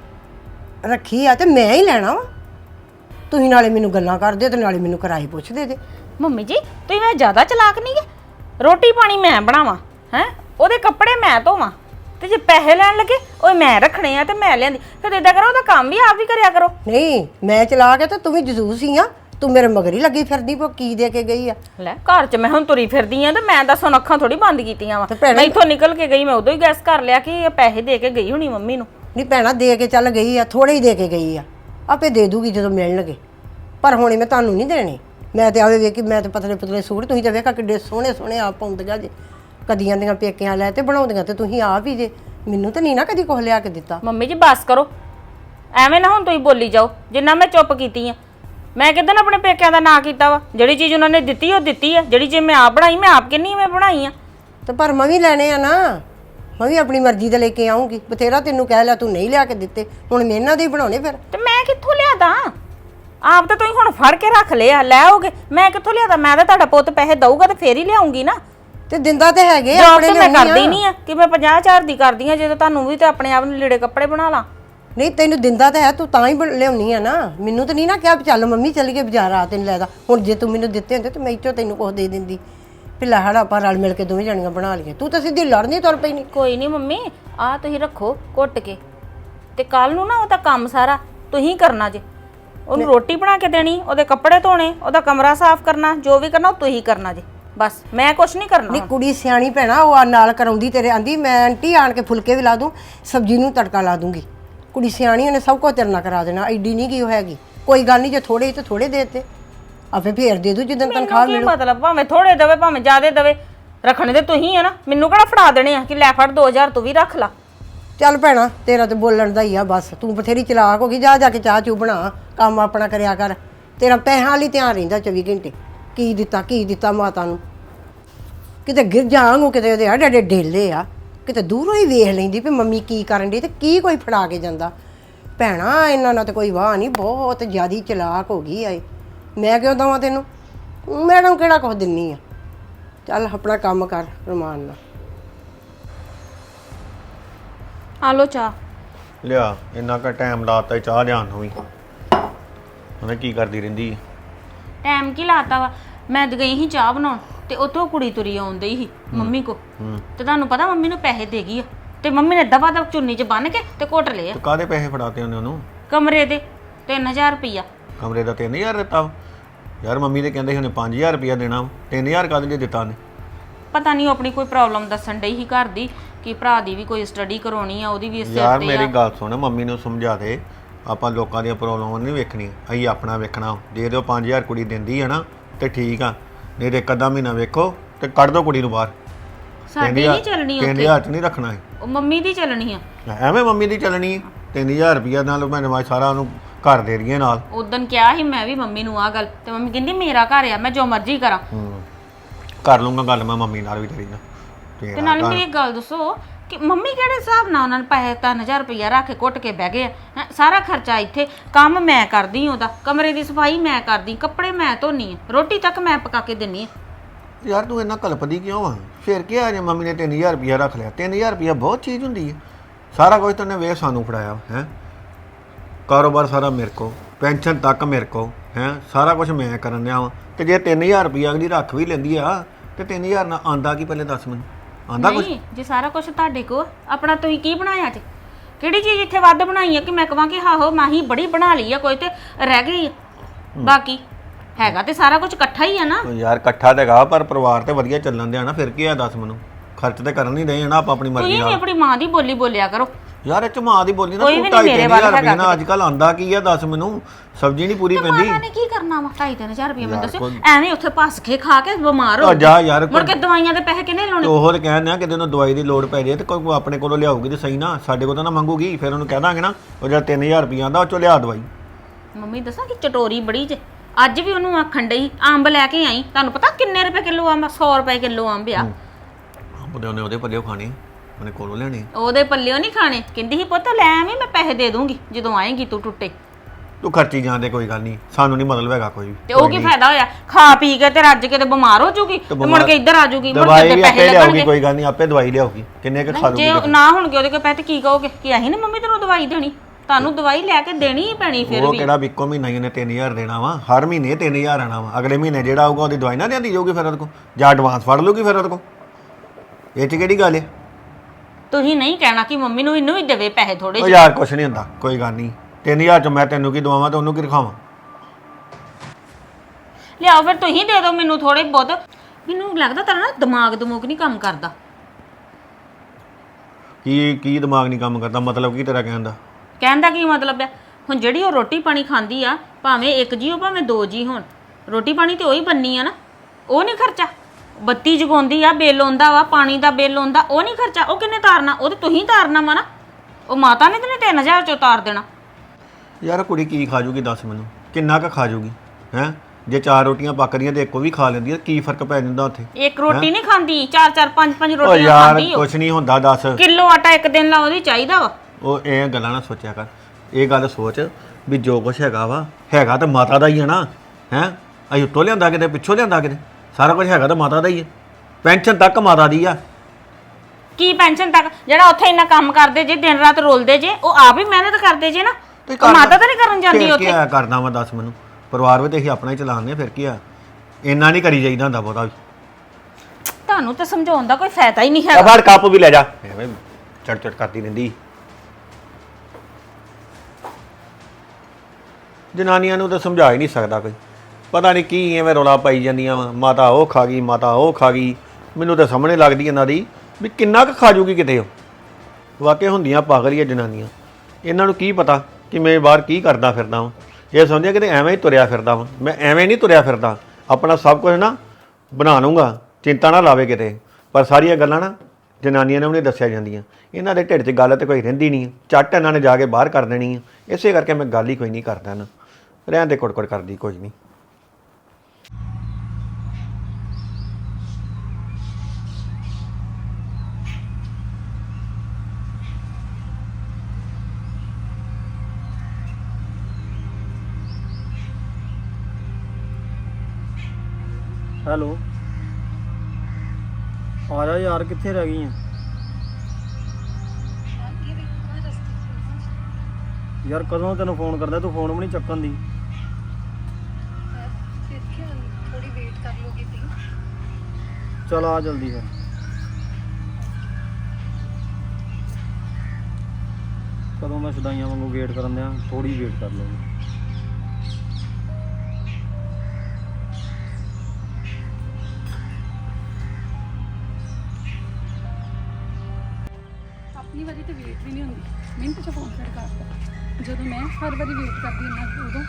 ਰੱਖੀ ਆ ਤੇ ਮੈਂ ਹੀ ਲੈਣਾ ਵਾ। ਤੁਸੀਂ ਨਾਲੇ ਮੈਨੂੰ ਗੱਲਾਂ ਕਰਦੇ ਤੇ ਨਾਲੇ ਮੈਨੂੰ ਕਿਰਾਏ ਪੁੱਛਦੇ ਜੇ। ਮੰਮੀ ਜੀ ਤੁਸੀਂ ਮੈਂ ਜ਼ਿਆਦਾ ਚਲਾਕ ਨਹੀਂ ਗੇ। ਰੋਟੀ ਪਾਣੀ ਮੈਂ ਬਣਾਵਾਂ ਹੈ, ਉਹਦੇ ਕੱਪੜੇ ਮੈਂ ਧੋਵਾਂ ਤੇ ਜੇ ਪੈਸੇ ਲੈਣ ਲੱਗੇ ਉਹ ਮੈਂ ਰੱਖਣੇ ਆ ਤੇ ਮੈਂ ਲਿਆਂਦੀ। ਫਿਰ ਇਦਾਂ ਕਰੋ ਉਹਦਾ ਕੰਮ ਵੀ ਆਪ ਹੀ ਕਰਿਆ ਕਰੋ। ਨਹੀਂ ਮੈਂ ਚਲਾ ਕੇ ਤੇ ਤੂੰ ਵੀ ਜਜ਼ੂਸ ਹੀ ਆ। ਤੂੰ ਮੇਰੇ ਮਗਰ ਹੀ ਲੱਗੀ ਫਿਰਦੀ ਪੋ ਕੀ ਦੇ ਕੇ ਗਈ ਆ। ਲੈ ਘਰ 'ਚ ਮੈਂ ਹੁਣ ਤੁਰੀ ਫਿਰਦੀ ਆ ਤੇ ਮੈਂ ਦੱਸ ਹੁਣ ਅੱਖਾਂ ਥੋੜੀ ਬੰਦ ਕੀਤੀਆਂ ਵਾ। ਤੇ ਭੈਣੇ- ਮੈਂ ਇੱਥੋਂ ਨਿਕਲ ਕੇ ਗਈ, ਮੈਂ ਉਦੋਂ ਹੀ ਗੈਸ ਕਰ ਲਿਆ ਕਿ ਇਹ ਪੈਸੇ ਦੇ ਕੇ ਗਈ ਹੋਣੀ ਮੰਮੀ ਨੂੰ। ਨਹੀਂ ਭੈਣਾ ਦੇ ਕੇ ਚੱਲ ਗਈ ਆ, ਥੋੜੇ ਹੀ ਦੇ ਕੇ ਗਈ ਆ, ਆਪੇ ਦੇ ਦੂਗੀ ਜਦੋਂ ਮਿਲਣਗੇ। ਪਰ ਹੁਣੇ ਮੈਂ ਤੁਹਾਨੂੰ ਨਹੀਂ ਦੇਣੇ। ਮੈਂ ਤੇ ਆਵੇ ਵੇਖ ਕਿ ਮੈਂ ਤੇ ਪਤਲੇ ਪਤਲੇ ਸੂਟ, ਤੁਸੀਂ ਤਾਂ ਵੇਖਾ ਕਿੱਡੇ ਸੋਹਣੇ ਸੋਹਣੇ ਆਪ ਪਾਉਂਦੀਆਂ ਜੇ। ਕਦੀਆਂ ਦੀਆਂ ਪੇਕਿਆਂ ਲੈ ਤੇ ਬਣਾਉਂਦੀਆਂ ਤੇ ਤੁਸੀਂ ਆਪ ਹੀ ਜੇ। ਮੈਨੂੰ ਤਾਂ ਨਹੀਂ ਨਾ ਕਦੀ ਕੁਛ ਲਿਆ ਕੇ ਦਿੱਤਾ। ਮੰਮੀ ਜੀ ਬਸ ਕਰੋ, ਐਵੇਂ ਨਾ ਹੁਣ ਤੁਸੀਂ ਬੋਲੀ ਜਾਓ। ਜਿੰਨਾ ਮੈਂ ਚੁੱਪ ਕੀਤੀ ਆ, ਮੈਂ ਕਿਦਾਂ ਆਪਣੇ ਪੇਕਿਆਂ ਦਾ ਨਾਂ ਕੀਤਾ ਵਾ। ਜਿਹੜੀ ਚੀਜ਼ ਉਹਨਾਂ ਨੇ ਦਿੱਤੀ ਉਹ ਦਿੱਤੀ ਆ, ਜਿਹੜੀ ਚੀਜ਼ ਮੈਂ ਆਪ ਬਣਾਈ ਮੈਂ ਆਪ ਕਿੰਨੀ ਮੈਂ ਬਣਾਈ ਆ। ਤੇ ਪਰ ਮੈਂ ਵੀ ਲੈਣੇ ਆ ਨਾ, ਮੈਂ ਵੀ ਆਪਣੀ ਮਰਜ਼ੀ ਦੇ ਲੈ ਕੇ ਆਉਂਗੀ। ਬਥੇਰਾ ਤੈਨੂੰ ਕਹਿ ਲਿਆ, ਤੂੰ ਨਹੀਂ ਲਿਆ ਕੇ ਦਿੱਤੇ, ਹੁਣ ਮੈਂ ਇਹਨਾਂ ਦੇ ਹੀ ਬਣਾਉਣੇ ਫਿਰ। ਤੇ ਮੈਂ ਕਿੱਥੋਂ ਲਿਆਦਾ? ਆਪ ਤਾਂ ਤੁਸੀਂ ਹੁਣ ਫੜ ਕੇ ਰੱਖ ਲਿਆ, ਲੈ ਆਓਗੇ। ਮੈਂ ਕਿੱਥੋਂ ਲਿਆਦਾ? ਮੈਂ ਤਾਂ ਤੁਹਾਡਾ ਪੁੱਤ ਪੈਸੇ ਦਊਗਾ ਤੇ ਫੇਰ ਹੀ ਲਿਆਉਂਗੀ ਨਾ। ਤੇ ਦਿੰਦਾ ਤੇ ਹੈਗੇ ਜੋਬ ਆਪਣੇ ਤੇ ਮੈਂ ਲਿਆਉਣੀ ਕਰਦੀ ਆ। ਨਹੀਂ ਆ ਕਿ ਮੈਂ 50,000 ਦੀ ਕਰਦੀ ਆ ਜਦੋਂ ਤੁਹਾਨੂੰ ਵੀ ਤੇ ਆਪਣੇ ਆਪ ਨੂੰ ਲੀੜੇ ਕੱਪੜੇ ਬਣਾ ਲਾਂ। ਨਹੀਂ ਤੈਨੂੰ ਦਿੰਦਾ ਤਾਂ ਹੈ, ਤੂੰ ਤਾਂ ਹੀ ਲਿਆਉਣੀ ਆ ਨਾ। ਮੈਨੂੰ ਤਾਂ ਨਹੀਂ ਨਾ ਕਿਹਾ ਵੀ ਚੱਲ ਮੰਮੀ ਚੱਲ ਕੇ ਬਾਜ਼ਾਰ ਆ ਤੈਨੂੰ ਲੈਦਾ। ਹੁਣ ਜੇ ਤੂੰ ਮੈਨੂੰ ਦਿੱਤੇ ਹੁੰਦੇ ਤੇ ਮੈਂ ਇੱਥੋਂ ਤੈਨੂੰ ਕੁਛ ਦੇ ਦਿੰਦੀ। ਵੀ ਲੈ ਹੜ ਆਪਾਂ ਰਲ ਮਿਲ ਕੇ ਦੋਵੇਂ ਜਣੀਆਂ ਬਣਾ ਲਈਏ। ਤੂੰ ਤਾਂ ਸਿੱਧੀ ਲੜਨੀ ਤੁਰ ਪਈ। ਨਹੀਂ ਕੋਈ ਨਹੀਂ ਮੰਮੀ, ਆ ਤੁਸੀਂ ਰੱਖੋ ਘੁੱਟ ਕੇ ਤੇ ਕੱਲ ਨੂੰ ਨਾ ਉਹਦਾ ਕੰਮ ਸਾਰਾ ਤੁਸੀਂ ਕਰਨਾ ਜੇ। ਉਹਨੂੰ ਰੋਟੀ ਬਣਾ ਕੇ ਦੇਣੀ, ਉਹਦੇ ਕੱਪੜੇ ਧੋਣੇ, ਉਹਦਾ ਕਮਰਾ ਸਾਫ਼ ਕਰਨਾ, ਜੋ ਵੀ ਕਰਨਾ ਉਹ ਤੁਸੀਂ ਕਰਨਾ ਜੇ। ਬਸ ਮੈਂ ਕੁਛ ਨਹੀਂ ਕਰਨਾ। ਨਹੀਂ ਕੁੜੀ ਸਿਆਣੀ ਭੈਣਾ, ਉਹ ਨਾਲ ਕਰਾਉਂਦੀ ਤੇਰੇ। ਆਂਦੀ ਮੈਂ ਆਂਟੀ ਆਣ ਕੇ ਫੁਲਕੇ ਵੀ ਲਾ ਦੂੰ, ਸਬਜ਼ੀ ਨੂੰ ਤੜਕਾ ਲਾ ਦੂੰਗੀ। ਕੁੜੀ ਸਿਆਣੀ, ਉਹਨੇ ਸਭ ਕੁਝ ਤੇਰੇ ਨਾਲ ਕਰਾ ਦੇਣਾ। ਐਡੀ ਨਹੀਂ ਕੀ ਉਹ ਹੈਗੀ। ਕੋਈ ਗੱਲ ਨਹੀਂ, ਜੇ ਥੋੜੇ ਤੇ ਥੋੜੇ ਦੇ ਦਿੱਤੇ ਆਪੇ ਫੇਰ ਦੇ ਦੂ ਜਦੋਂ ਤਨਖਾਹ ਕੀ ਮਿਲੂ। ਮਤਲਬ ਭਾਵੇਂ ਥੋੜੇ ਦੇਵੇ ਭਾਵੇਂ ਜ਼ਿਆਦੇ ਦੇਵੇ, ਰੱਖਣੇ ਤੇ ਤੁਸੀਂ ਆ ਨਾ। ਮੈਨੂੰ ਕਿਹੜਾ ਫੜਾ ਦੇਣੇ ਆ ਕਿ ਲੈ ਫੜ 2000 ਤੂੰ ਵੀ ਰੱਖ ਲਾ। ਚੱਲ ਭੈਣਾ ਤੇਰਾ ਤੇ ਬੋਲਣ ਦਾ ਹੀ ਆ ਬਸ। ਤੂੰ ਬਥੇਰੀ ਚਲਾਕ ਹੋ ਗਈ। ਜਾ ਜਾ ਕੇ ਚਾਹ ਚੂ ਬਣਾ, ਕੰਮ ਆਪਣਾ ਕਰਿਆ ਕਰ। ਤੇਰਾ ਪੈਸਿਆਂ ਵਾਲੀ ਧਿਆਨ ਰਹਿੰਦਾ 24 ਘੰਟੇ। ਕੀ ਦਿੱਤਾ ਮਾਤਾ ਨੂੰ। ਕਿਤੇ ਗਿਰ ਜਾਵਾਂਗੂ, ਕਿਤੇ ਉਹਦੇ ਆਡੇ ਢੇਲੇ ਆ। ਕਿਤੇ ਦੂਰੋਂ ਹੀ ਵੇਖ ਲੈਂਦੀ ਵੀ ਮੰਮੀ ਕੀ ਕਰਨ ਦੀ ਤੇ ਕੀ ਕੋਈ ਫੜਾ ਕੇ ਜਾਂਦਾ। ਭੈਣਾ ਇਹਨਾਂ ਨਾਲ ਤਾਂ ਕੋਈ ਵਾਹ ਨਹੀਂ, ਬਹੁਤ ਜ਼ਿਆਦੀ ਚਲਾਕ ਹੋ ਗਈ ਆਏ। ਮੈਂ ਕਿਉਂ ਦਵਾਂ ਤੈਨੂੰ? ਮੈਡਮ ਕਿਹੜਾ ਕੁਛ ਦਿੰਨੀ ਆ। ਚੱਲ ਆਪਣਾ ਕੰਮ ਕਰ ਰਮਾਨ ਨਾਲ। ਆ ਲੋ ਚਾਹ। ਲਿਆ ਇੰਨਾ ਕੁ ਟਾਈਮ ਲਾਤਾ ਚਾਹ ਲਿਆਉਣ ਨੂੰ ਵੀ। ਉਹਨੇ ਕੀ ਕਰਦੀ ਰਹਿੰਦੀ ਹੈ? ਟਾਈਮ ਕੀ ਲਾਤਾ ਵਾ? ਮੈਂ ਤਾਂ ਗਈ ਸੀ ਚਾਹ ਬਣਾਉਣ ਤੇ ਉੱਥੋਂ ਕੁੜੀ ਤੁਰੀ ਆਉਂਦੀ ਸੀ ਮੰਮੀ ਕੋ। ਤੇ ਤੁਹਾਨੂੰ ਪਤਾ ਮੰਮੀ ਨੂੰ ਪੈਸੇ ਦੇ ਗਈ ਆ ਤੇ ਮੰਮੀ ਨੇ ਦਵਾ ਦਵ ਚੁੰਨੀ 'ਚ ਬੰਨ ਕੇ ਤੇ ਘੁੱਟ ਲਏ ਆ। ਤੇ ਕਾਹਦੇ ਪੈਸੇ ਫੜਾਤੇ ਉਹਨੇ ਉਹਨੂੰ? ਕਮਰੇ ਦੇ 3000 ਰੁਪਈਆ। ਕਮਰੇ ਦਾ 3000 ਦਿੱਤਾ ਵਾ? ਯਾਰ ਮੰਮੀ ਦੇ ਕਹਿੰਦੇ ਸੀ ਉਹਨੇ 5000 ਰੁਪਇਆ ਦੇਣਾ ਵਾ। 3000 ਕਾਹਦੇ ਲਈ ਦਿੱਤਾ ਉਹਨੇ? ਪਤਾ ਨਹੀਂ ਉਹ ਆਪਣੀ ਕੋਈ ਪ੍ਰੋਬਲਮ ਦੱਸਣ ਡਈ ਸੀ ਘਰ ਦੀ, ਕਿ ਭਰਾ ਦੀ ਵੀ ਕੋਈ ਸਟੱਡੀ ਕਰਾਉਣੀ ਆ, ਉਹਦੀ ਵੀ ਸਿਰ ਯਾਰ ਤੇ ਮੇਰੀ ਆ। ਗੱਲ ਸੁਣ, ਮੰਮੀ ਨੂੰ ਸਮਝਾ ਦੇ। ਆਪਾਂ ਲੋਕਾਂ ਦੀਆਂ ਪ੍ਰੋਬਲਮਾਂ ਨਹੀਂ ਵੇਖਣੀ, ਅਸੀਂ ਆਪਣਾ ਵੇਖਣਾ। ਦੇ ਦਿਓ 5000 ਕੁੜੀ ਦਿੰਦੀ ਹੈ ਨਾ ਤੇ ਠੀਕ ਆ, ਨਹੀਂ ਤੇ ਇੱਕ ਅੱਧਾ ਮਹੀਨਾ ਵੇਖੋ ਤੇ ਕੱਢ ਦਿਓ ਕੁੜੀ ਨੂੰ ਬਾਹਰ। ਸਾਡੀ ਨਹੀਂ ਚੱਲਣੀ ਉੱਥੇ 3000 ਚ ਨਹੀਂ ਰੱਖਣਾ ਹੈ ਉਹ ਮੰਮੀ ਦੀ ਚੱਲਣੀ ਆ ਐਵੇਂ ਮੰਮੀ ਦੀ ਚੱਲਣੀ ਹੈ 3000 ਰੁਪਇਆ ਨਾਲ ਮੈਂ ਨਵਾਜ਼ ਸਾਰਾ ਉਹਨੂੰ ਘਰ ਦੇ ਰਹੀਏ ਨਾਲ ਉਦੋਂ ਕਿਹਾ ਸੀ ਮੈਂ ਵੀ ਮੰਮੀ ਨੂੰ ਆ ਗੱਲ ਤੇ ਮੰਮੀ ਕਹਿੰਦੀ ਮੇਰਾ ਘਰ ਆ ਮੈਂ ਜੋ ਮਰਜ਼ੀ ਕਰਾਂ ਕਰ ਲੂੰਗਾ ਗੱਲ ਮੈਂ ਮੰਮੀ ਨਾਲ ਵੀ ਤੇਰੀ ਨਾਲ ਤੇ ਨਾਲ ਮੇਰੀ ਇੱਕ ਗੱਲ ਦੱਸੋ ਕਿ ਮੰਮੀ ਕਿਹੜੇ ਹਿਸਾਬ ਨਾਲ ਉਹਨਾਂ ਨੇ ਪੈਸੇ 3000 ਰੁਪਇਆ ਰੱਖ ਕੇ ਕੁੱਟ ਕੇ ਬਹਿ ਗਏ ਆ ਹੈਂ, ਸਾਰਾ ਖਰਚਾ ਇੱਥੇ ਕੰਮ ਮੈਂ ਕਰਦੀ ਉਹਦਾ ਕਮਰੇ ਦੀ ਸਫਾਈ ਮੈਂ ਕਰਦੀ ਕੱਪੜੇ ਮੈਂ ਧੋਨੀ ਆ ਰੋਟੀ ਤੱਕ ਮੈਂ ਪਕਾ ਕੇ ਦਿੰਨੀ ਆ ਯਾਰ ਤੂੰ ਇੰਨਾ ਕਲਪਦੀ ਕਿਉਂ ਆ ਫਿਰ ਕੀ ਆ ਜੇ ਮੰਮੀ ਨੇ 3000 ਰੁਪਇਆ ਰੱਖ ਲਿਆ 3000 ਰੁਪਇਆ ਬਹੁਤ ਚੀਜ਼ ਹੁੰਦੀ ਹੈ ਸਾਰਾ ਕੁਝ ਤੈਨੇ ਵੇਖ ਸਾਨੂੰ ਫੜਾਇਆ ਹੈ ਕਾਰੋਬਾਰ ਸਾਰਾ ਮੇਰੇ ਕੋ ਪੈਨਸ਼ਨ ਤੱਕ ਮੇਰੇ ਕੋ ਹੈ ਸਾਰਾ ਕੁਝ ਮੈਂ ਕਰਨ ਡਿਆ ਵਾਂ ਤੇ ਜੇ 3000 ਰੁਪਇਆ ਅਗਲੀ ਰੱਖ ਵੀ ਲੈਂਦੀ ਆ ਤੇ 3000 ਨਾਲ ਆਂਦਾ ਕੀ ਪਹਿਲੇ ਦੱਸ ਮੈਨੂੰ ਆਂਦਾ ਕੁਝ ਨਹੀਂ ਜੇ ਸਾਰਾ ਕੁਝ ਤੁਹਾਡੇ ਕੋ ਆਪਣਾ ਤੁਸੀਂ ਕੀ ਬਣਾਇਆ ਤੇ ਕਿਹੜੀ ਚੀਜ਼ ਇੱਥੇ ਵੱਧ ਬਣਾਈ ਆ ਕਿ ਮੈਂ ਕਹਾਂ ਕਿ ਹਾਹੋ ਮਾਹੀ ਬੜੀ ਬਣਾ ਲਈ ਆ ਕੋਈ ਤੇ ਰਹਿ ਗਈ ਆ ਬਾਕੀ ਹੈਗਾ ਤੇ ਸਾਰਾ ਕੁਝ ਇਕੱਠਾ ਹੀ ਆ ਨਾ ਯਾਰ ਇਕੱਠਾ ਤੇ ਹੈਗਾ ਪਰ ਪਰਿਵਾਰ ਤੇ ਵਧੀਆ ਚੱਲਣ ਦਿਆ ਨਾ ਫਿਰ ਕੀ ਆ ਦੱਸ ਮੈਨੂੰ ਖਰਚ ਤੇ ਕਰਨ ਨਹੀਂ ਰਹੇ ਨਾ ਆਪਾਂ ਆਪਣੀ ਮਰਜ਼ੀ ਤੁਸੀਂ ਵੀ ਨਾਲ ਆਪਣੀ ਮਾਂ ਦੀ ਬੋਲੀ ਬੋਲਿਆ ਕਰੋ ਯਾਰ ਇਹ ਚ ਮਾਂ ਦੀ ਬੋਲੀ ਨਾ ਕੋਈ ਤੂੰ ਵੀ ਨਹੀਂ ਮੇਰੇ 2.5 ਵੱਲ ਰੁਪਏ ਨਾ ਅੱਜ ਕੱਲ ਆਂਦਾ ਕੀ ਆ ਦੱਸ ਮੈਨੂੰ ਸਬਜ਼ੀ ਨਹੀਂ ਪੂਰੀ ਪੈਂਦੀ ਮਾਂ ਨੇ ਕੀ ਕਰਨਾ ਵਾ 2.5-3 ਰੁਪਏ ਮੈਂ ਯਾਰ ਦੱਸੋ ਕੋਈ- ਐਵੇਂ ਉੱਥੇ ਭੱਸ ਕੇ ਖਾ ਕੇ ਬਿਮਾਰ ਹੋ ਆ ਜਾ ਯਾਰ ਮੁੜ ਕੇ ਦਵਾਈਆਂ ਦੇ ਪੈਸੇ ਕਿਹਨੇ ਲਾਉਣੇ ਉਹ ਤੇ ਕਹਿੰਦੇ ਆ ਕਿ ਉਹਨੂੰ ਦਵਾਈ ਦੀ ਲੋੜ ਪੈ ਜੇ ਤੇ ਕੋਈ ਆਪਣੇ ਕੋਲੋਂ ਲਿਆਊਗੀ ਤੇ ਸਹੀ ਨਾ ਸਾਡੇ ਕੋਲ ਤਾਂ ਨਾ ਮੰਗੂਗੀ ਫਿਰ ਉਹਨੂੰ ਕਹਿ ਦਾਂਗੇ ਨਾ ਉਹ ਜਿਹੜਾ 3000 ਰੁਪਏ ਆਂਦਾ ਉਹ ਚੋਂ ਲਿਆ ਦਵਾਈ ਮੰਮੀ ਦੱਸਾਂ ਕਿ ਚਟੋਰੀ ਬੜੀ ਜੇ ਅੱਜ ਵੀ ਉਹਨੂੰ ਆਖਣ ਡਈ ਅੰਬ ਲੈ ਕੇ ਆਈ ਤੁਹਾਨੂੰ ਪਤਾ ਕਿੰਨੇ ਰੁਪਏ ਕਿਲੋ ਅੰਬ 100 ਰੁਪਏ ਕਿਲੋ ਅੰਬ ਆ ਉਹਦੇ ਪੱਲੇ ਖਾਣੇ ਉਹਨੇ ਕੋਲੋਂ ਲੈਣੇ ਉਹਦੇ ਪੱਲਿਓ ਨਹੀਂ ਖਾਣੇ ਕਹਿੰਦੀ ਸੀ ਪੁੱਤ ਲੈ ਆਵੀਂ ਮੈਂ ਪੈਸੇ ਦੇ ਦੂੰਗੀ ਜਦੋਂ ਆਏਗੀ ਤੂੰ ਟੁੱਟੇ ਤੂੰ ਖਰਚੀ ਜਾਂਦੇ ਕੋਈ ਗੱਲ ਨਹੀਂ ਸਾਨੂੰ ਨਹੀਂ ਮਤਲਬ ਹੈਗਾ ਕੋਈ ਵੀ ਤੇ ਉਹ ਕੀ ਫਾਇਦਾ ਹੋਇਆ ਖਾ ਪੀ ਕੇ ਤੇ ਰੱਜ ਕੇ ਤੇ ਬਿਮਾਰ ਹੋ ਜੂਗੀ ਤੇ ਮੁੜ ਕੇ ਇੱਧਰ ਆ ਜੂਗੀ ਮੁੜ ਕੇ ਦਵਾਈ ਤੇ ਵੀ ਪੈਸੇ ਆਪੇ ਲਿਆਉਗੀ ਲੱਗਣਗੇ ਕੋਈ ਗੱਲ ਨਹੀਂ ਆਪੇ ਦਵਾਈ ਲਿਆਉਗੀ ਕਿੰਨੇ ਕੁ ਖਾ ਜੇ ਲੂਗੀ ਨਾ ਹੋਣਗੇ ਉਹਦੇ ਕੋਲ ਪੈਸੇ ਤੇ ਕੀ ਕਹੋਗੇ ਕਿ ਅਸੀਂ ਨੀ ਮੰਮੀ ਤੈਨੂੰ ਦਵਾਈ ਦੇਣੀ ਤੁਹਾਨੂੰ ਦਵਾਈ ਲੈ ਕੇ ਦੇਣੀ ਹੀ ਪੈਣੀ ਫਿਰ ਉਹ ਵੀ ਕਿਹੜਾ ਇੱਕੋ ਮਹੀਨਾ ਹੀ ਉਹਨੇ 3000 ਦੇਣਾ ਵਾ ਹਰ ਮਹੀਨੇ 3000 ਆਣਾ ਵਾ ਅਗਲੇ ਮਹੀਨੇ ਜਿਹੜਾ ਆਊਗਾ ਉਹਦੀ ਦਵਾਈ ਨਾ ਦੇਂਦੀ ਜਾਊਗੀ ਫਿਰ ਉਹਦੇ ਕੋ ਜਾਂ ਐਡਵਾਂਸ ਫੜ ਲੂਗੀ ਫਿਰ ਉਹਦੇ ਕੋ ਇਹ 'ਚ ਕਿਹੜੀ ਗੱਲ ਹੈ ਤੁਸੀਂ ਨਹੀਂ ਕਹਿਣਾ ਕਿ ਮੰਮੀ ਨੂੰ ਇਹਨੂੰ ਵੀ ਦੇਵੇ ਪੈਸੇ ਥੋੜੇ ਉਹ ਯਾਰ ਕੁਛ ਨਹੀਂ ਹੁੰਦਾ ਕੋਈ ਗੱਲ ਨਹੀਂ 3000 ਚ ਮੈਂ ਤੈਨੂੰ ਕੀ ਦਵਾਵਾਂ ਤੇ ਉਹਨੂੰ ਕੀ ਰਖਾਵਾਂ ਲਿਆਓ ਫਿਰ ਤੁਸੀਂ ਦੇ ਦਿਓ ਮੈਨੂੰ ਥੋੜੇ ਬਹੁਤ ਮੈਨੂੰ ਲੱਗਦਾ ਤੇਰਾ ਨਾ ਦਿਮਾਗ ਨਹੀਂ ਕੰਮ ਕਰਦਾ ਕੀ ਦਿਮਾਗ ਨਹੀਂ ਕੰਮ ਕਰਦਾ ਮਤਲਬ ਕੀ ਤੇਰਾ ਕਹਿਣ ਦਾ ਕਹਿਣ ਦਾ ਕੀ ਮਤਲਬ ਹੈ ਹੁਣ ਜਿਹੜੀ ਉਹ ਰੋਟੀ ਪਾਣੀ ਖਾਂਦੀ ਆ ਭਾਵੇਂ ਇੱਕ ਜੀ ਹੋ ਭਾਵੇਂ ਦੋ ਜੀ ਹੋਣ ਰੋਟੀ ਪਾਣੀ ਤੇ ਉਹੀ ਬੰਨੀ ਆ ਨਾ ਉਹ ਨਹੀਂ ਖਰਚਾ ਬੱਤੀ ਜਗਾਉਂਦੀ ਆ ਬਿੱਲ ਆਉਂਦਾ ਵਾ ਪਾਣੀ ਦਾ ਬਿੱਲ ਆਉਂਦਾ ਉਹ ਨਹੀਂ ਖਰਚਾ ਉਹ ਕਿੰਨੇ ਤਾਰਨਾ ਉਹ ਤੇ ਤੁਸੀਂ ਤਾਰਨਾ ਵਾ ਨਾ ਉਹ ਮਾਤਾ ਨੇ ਤੇ 3000 ਚੋਂ ਤਾਰ ਦੇਣਾ ਯਾਰ ਕੁੜੀ ਕੀ ਖਾ ਜੂਗੀ ਦੱਸ ਮੈਨੂੰ ਕਿੰਨਾ ਕੁ ਖਾ ਜੂਗੀ ਹੈ ਜੇ 4 ਰੋਟੀਆਂ ਪੱਕਦੀਆਂ ਤੇ ਇੱਕੋ ਵੀ ਖਾ ਲੈਂਦੀ ਆ ਕੀ ਫਰਕ ਪੈ ਜਾਂਦਾ ਉੱਥੇ ਇੱਕ ਰੋਟੀ ਨਹੀਂ ਖਾਂਦੀ 4-4 5-5 ਓ ਰੋਟੀਆਂ ਯਾਰ ਖਾਂਦੀ ਉਹ ਕੁਛ ਨਹੀਂ ਹੁੰਦਾ ਦੱਸ ਕਿਲੋ ਆਟਾ ਇੱਕ ਦਿਨ ਲਾ ਉਹਦੀ ਚਾਹੀਦਾ ਵਾ ਉਹ ਇਹ ਗੱਲਾਂ ਨਾ ਸੋਚਿਆ ਕਰ ਇਹ ਗੱਲ ਸੋਚ ਵੀ ਜੋ ਕੁਛ ਹੈਗਾ ਵਾ ਹੈਗਾ ਤਾਂ ਮਾਤਾ ਦਾ ਹੀ ਹੈ ਨਾ ਹੈ ਅਸੀਂ ਉੱਤੋਂ ਲਿਆਂਦਾ ਕਿਤੇ ਪਿੱਛੋਂ ਲਿਆਂਦਾ ਕਿਤੇ ਸਾਰਾ ਕੁਝ ਹੈਗਾ ਤਾਂ ਮਾਤਾ ਦਾ ਹੀ ਹੈ ਪੈਨਸ਼ਨ ਤੱਕ ਮਾਤਾ ਦੀ ਆ ਕੀ ਪੈਨਸ਼ਨ ਤੱਕ ਜਿਹੜਾ ਉੱਥੇ ਇੰਨਾ ਕੰਮ ਕਰਦੇ ਜੇ ਦਿਨ ਰਾਤ ਰੋਲਦੇ ਜੇ ਉਹ ਆਪ ਹੀ ਮਿਹਨਤ ਕਰਦੇ ਜੇ ਨਾ ਉਹ ਮਾਤਾ ਤਾਂ ਨਹੀਂ ਕਰਨ ਜਾਂਦੀ ਕੀ ਉੱਥੇ ਆ ਕਰਦਾ ਮੈਂ ਦੱਸ ਮੈਨੂੰ ਪਰਿਵਾਰ ਵੀ ਤੇ ਅਸੀਂ ਆਪਣਾ ਹੀ ਚਲਾਉਂਦੇ ਆ ਫਿਰ ਕੀ ਆ ਇੰਨਾ ਨਹੀਂ ਕਰੀ ਜਾਈਦਾ ਹੁੰਦਾ ਬਹੁਤਾ ਵੀ ਤੁਹਾਨੂੰ ਤਾਂ ਸਮਝਾਉਣ ਦਾ ਕੋਈ ਫਾਇਦਾ ਹੀ ਨਹੀਂ ਆ ਹੈਗਾ ਬਾਹਰ ਕੱਪ ਵੀ ਲੈ ਜਾ ਐਵੇਂ ਚੜ ਕਰਦੀ ਰਹਿੰਦੀ ਜਨਾਨੀਆਂ ਨੂੰ ਤਾਂ ਸਮਝਾ ਹੀ ਨਹੀਂ ਸਕਦਾ ਕੋਈ ਪਤਾ ਨਹੀਂ ਕੀ ਐਵੇਂ ਰੌਲਾ ਪਾਈ ਜਾਂਦੀਆਂ ਵਾ ਮਾਤਾ ਉਹ ਖਾ ਗਈ ਮਾਤਾ ਉਹ ਖਾ ਗਈ ਮੈਨੂੰ ਤਾਂ ਸਾਹਮਣੇ ਲੱਗਦੀ ਇਹਨਾਂ ਦੀ ਵੀ ਕਿੰਨਾ ਕੁ ਖਾ ਜੂਗੀ ਕਿਤੇ ਉਹ ਵਾਕਿਆ ਹੁੰਦੀਆਂ ਪਾਗਲ ਹੀ ਆ ਜਨਾਨੀਆਂ ਇਹਨਾਂ ਨੂੰ ਕੀ ਪਤਾ ਕਿ ਮੈਂ ਬਾਹਰ ਕੀ ਕਰਦਾ ਫਿਰਦਾ ਵਾਂ ਇਹ ਸਮਝਿਆ ਕਿਤੇ ਐਵੇਂ ਹੀ ਤੁਰਿਆ ਫਿਰਦਾ ਵਾਂ ਮੈਂ ਐਵੇਂ ਨਹੀਂ ਤੁਰਿਆ ਫਿਰਦਾ ਆਪਣਾ ਸਭ ਕੁਝ ਨਾ ਬਣਾ ਲੂੰਗਾ ਚਿੰਤਾ ਨਾ ਲਾਵੇ ਕਿਤੇ ਪਰ ਸਾਰੀਆਂ ਗੱਲਾਂ ਨਾ ਜਨਾਨੀਆਂ ਨੇ ਉਹਨੇ ਦੱਸਿਆ ਜਾਂਦੀਆਂ ਇਹਨਾਂ ਦੇ ਢਿੱਡ 'ਚ ਗੱਲ ਤੇ ਕੋਈ ਰਹਿੰਦੀ ਨਹੀਂ ਚੱਟ ਇਹਨਾਂ ਨੇ ਜਾ ਕੇ ਬਾਹਰ ਕਰ ਦੇਣੀ ਹੈ ਇਸੇ ਕਰਕੇ ਮੈਂ ਗੱਲ ਹੀ ਕੋਈ ਨਹੀਂ ਕਰਦਾ ਨਾ ਰਹਿਣ ਦੇ ਕੁੜ ਕਰਦੀ ਕੋਈ ਨਹੀਂ ਹੈਲੋ ਆ ਜਾ ਯਾਰ ਕਿੱਥੇ ਰਹਿ ਗਈ ਆ ਯਾਰ ਕਦੋਂ ਤੈਨੂੰ ਫੋਨ ਕਰਦਾ ਤੂੰ ਫੋਨ ਵੀ ਨਹੀਂ ਚੱਕਣ ਦੀ थोड़ी वेट कर लोगे प्लीज ਚਲ ਆ ਜਲਦੀ ਫਿਰ ਕਦੋਂ ਮੈਂ ਸਦਾਈਆਂ ਵਾਂਗੂ ਵੇਟ ਕਰਨ ਦਿਆਂ ਥੋੜੀ ਵੇਟ ਕਰ ਲਓ अपनी वारी तो वेट भी नहीं होंगी मिनट च फोन फिर करता जो मैं हर बारी वेट करती इन्ना उदों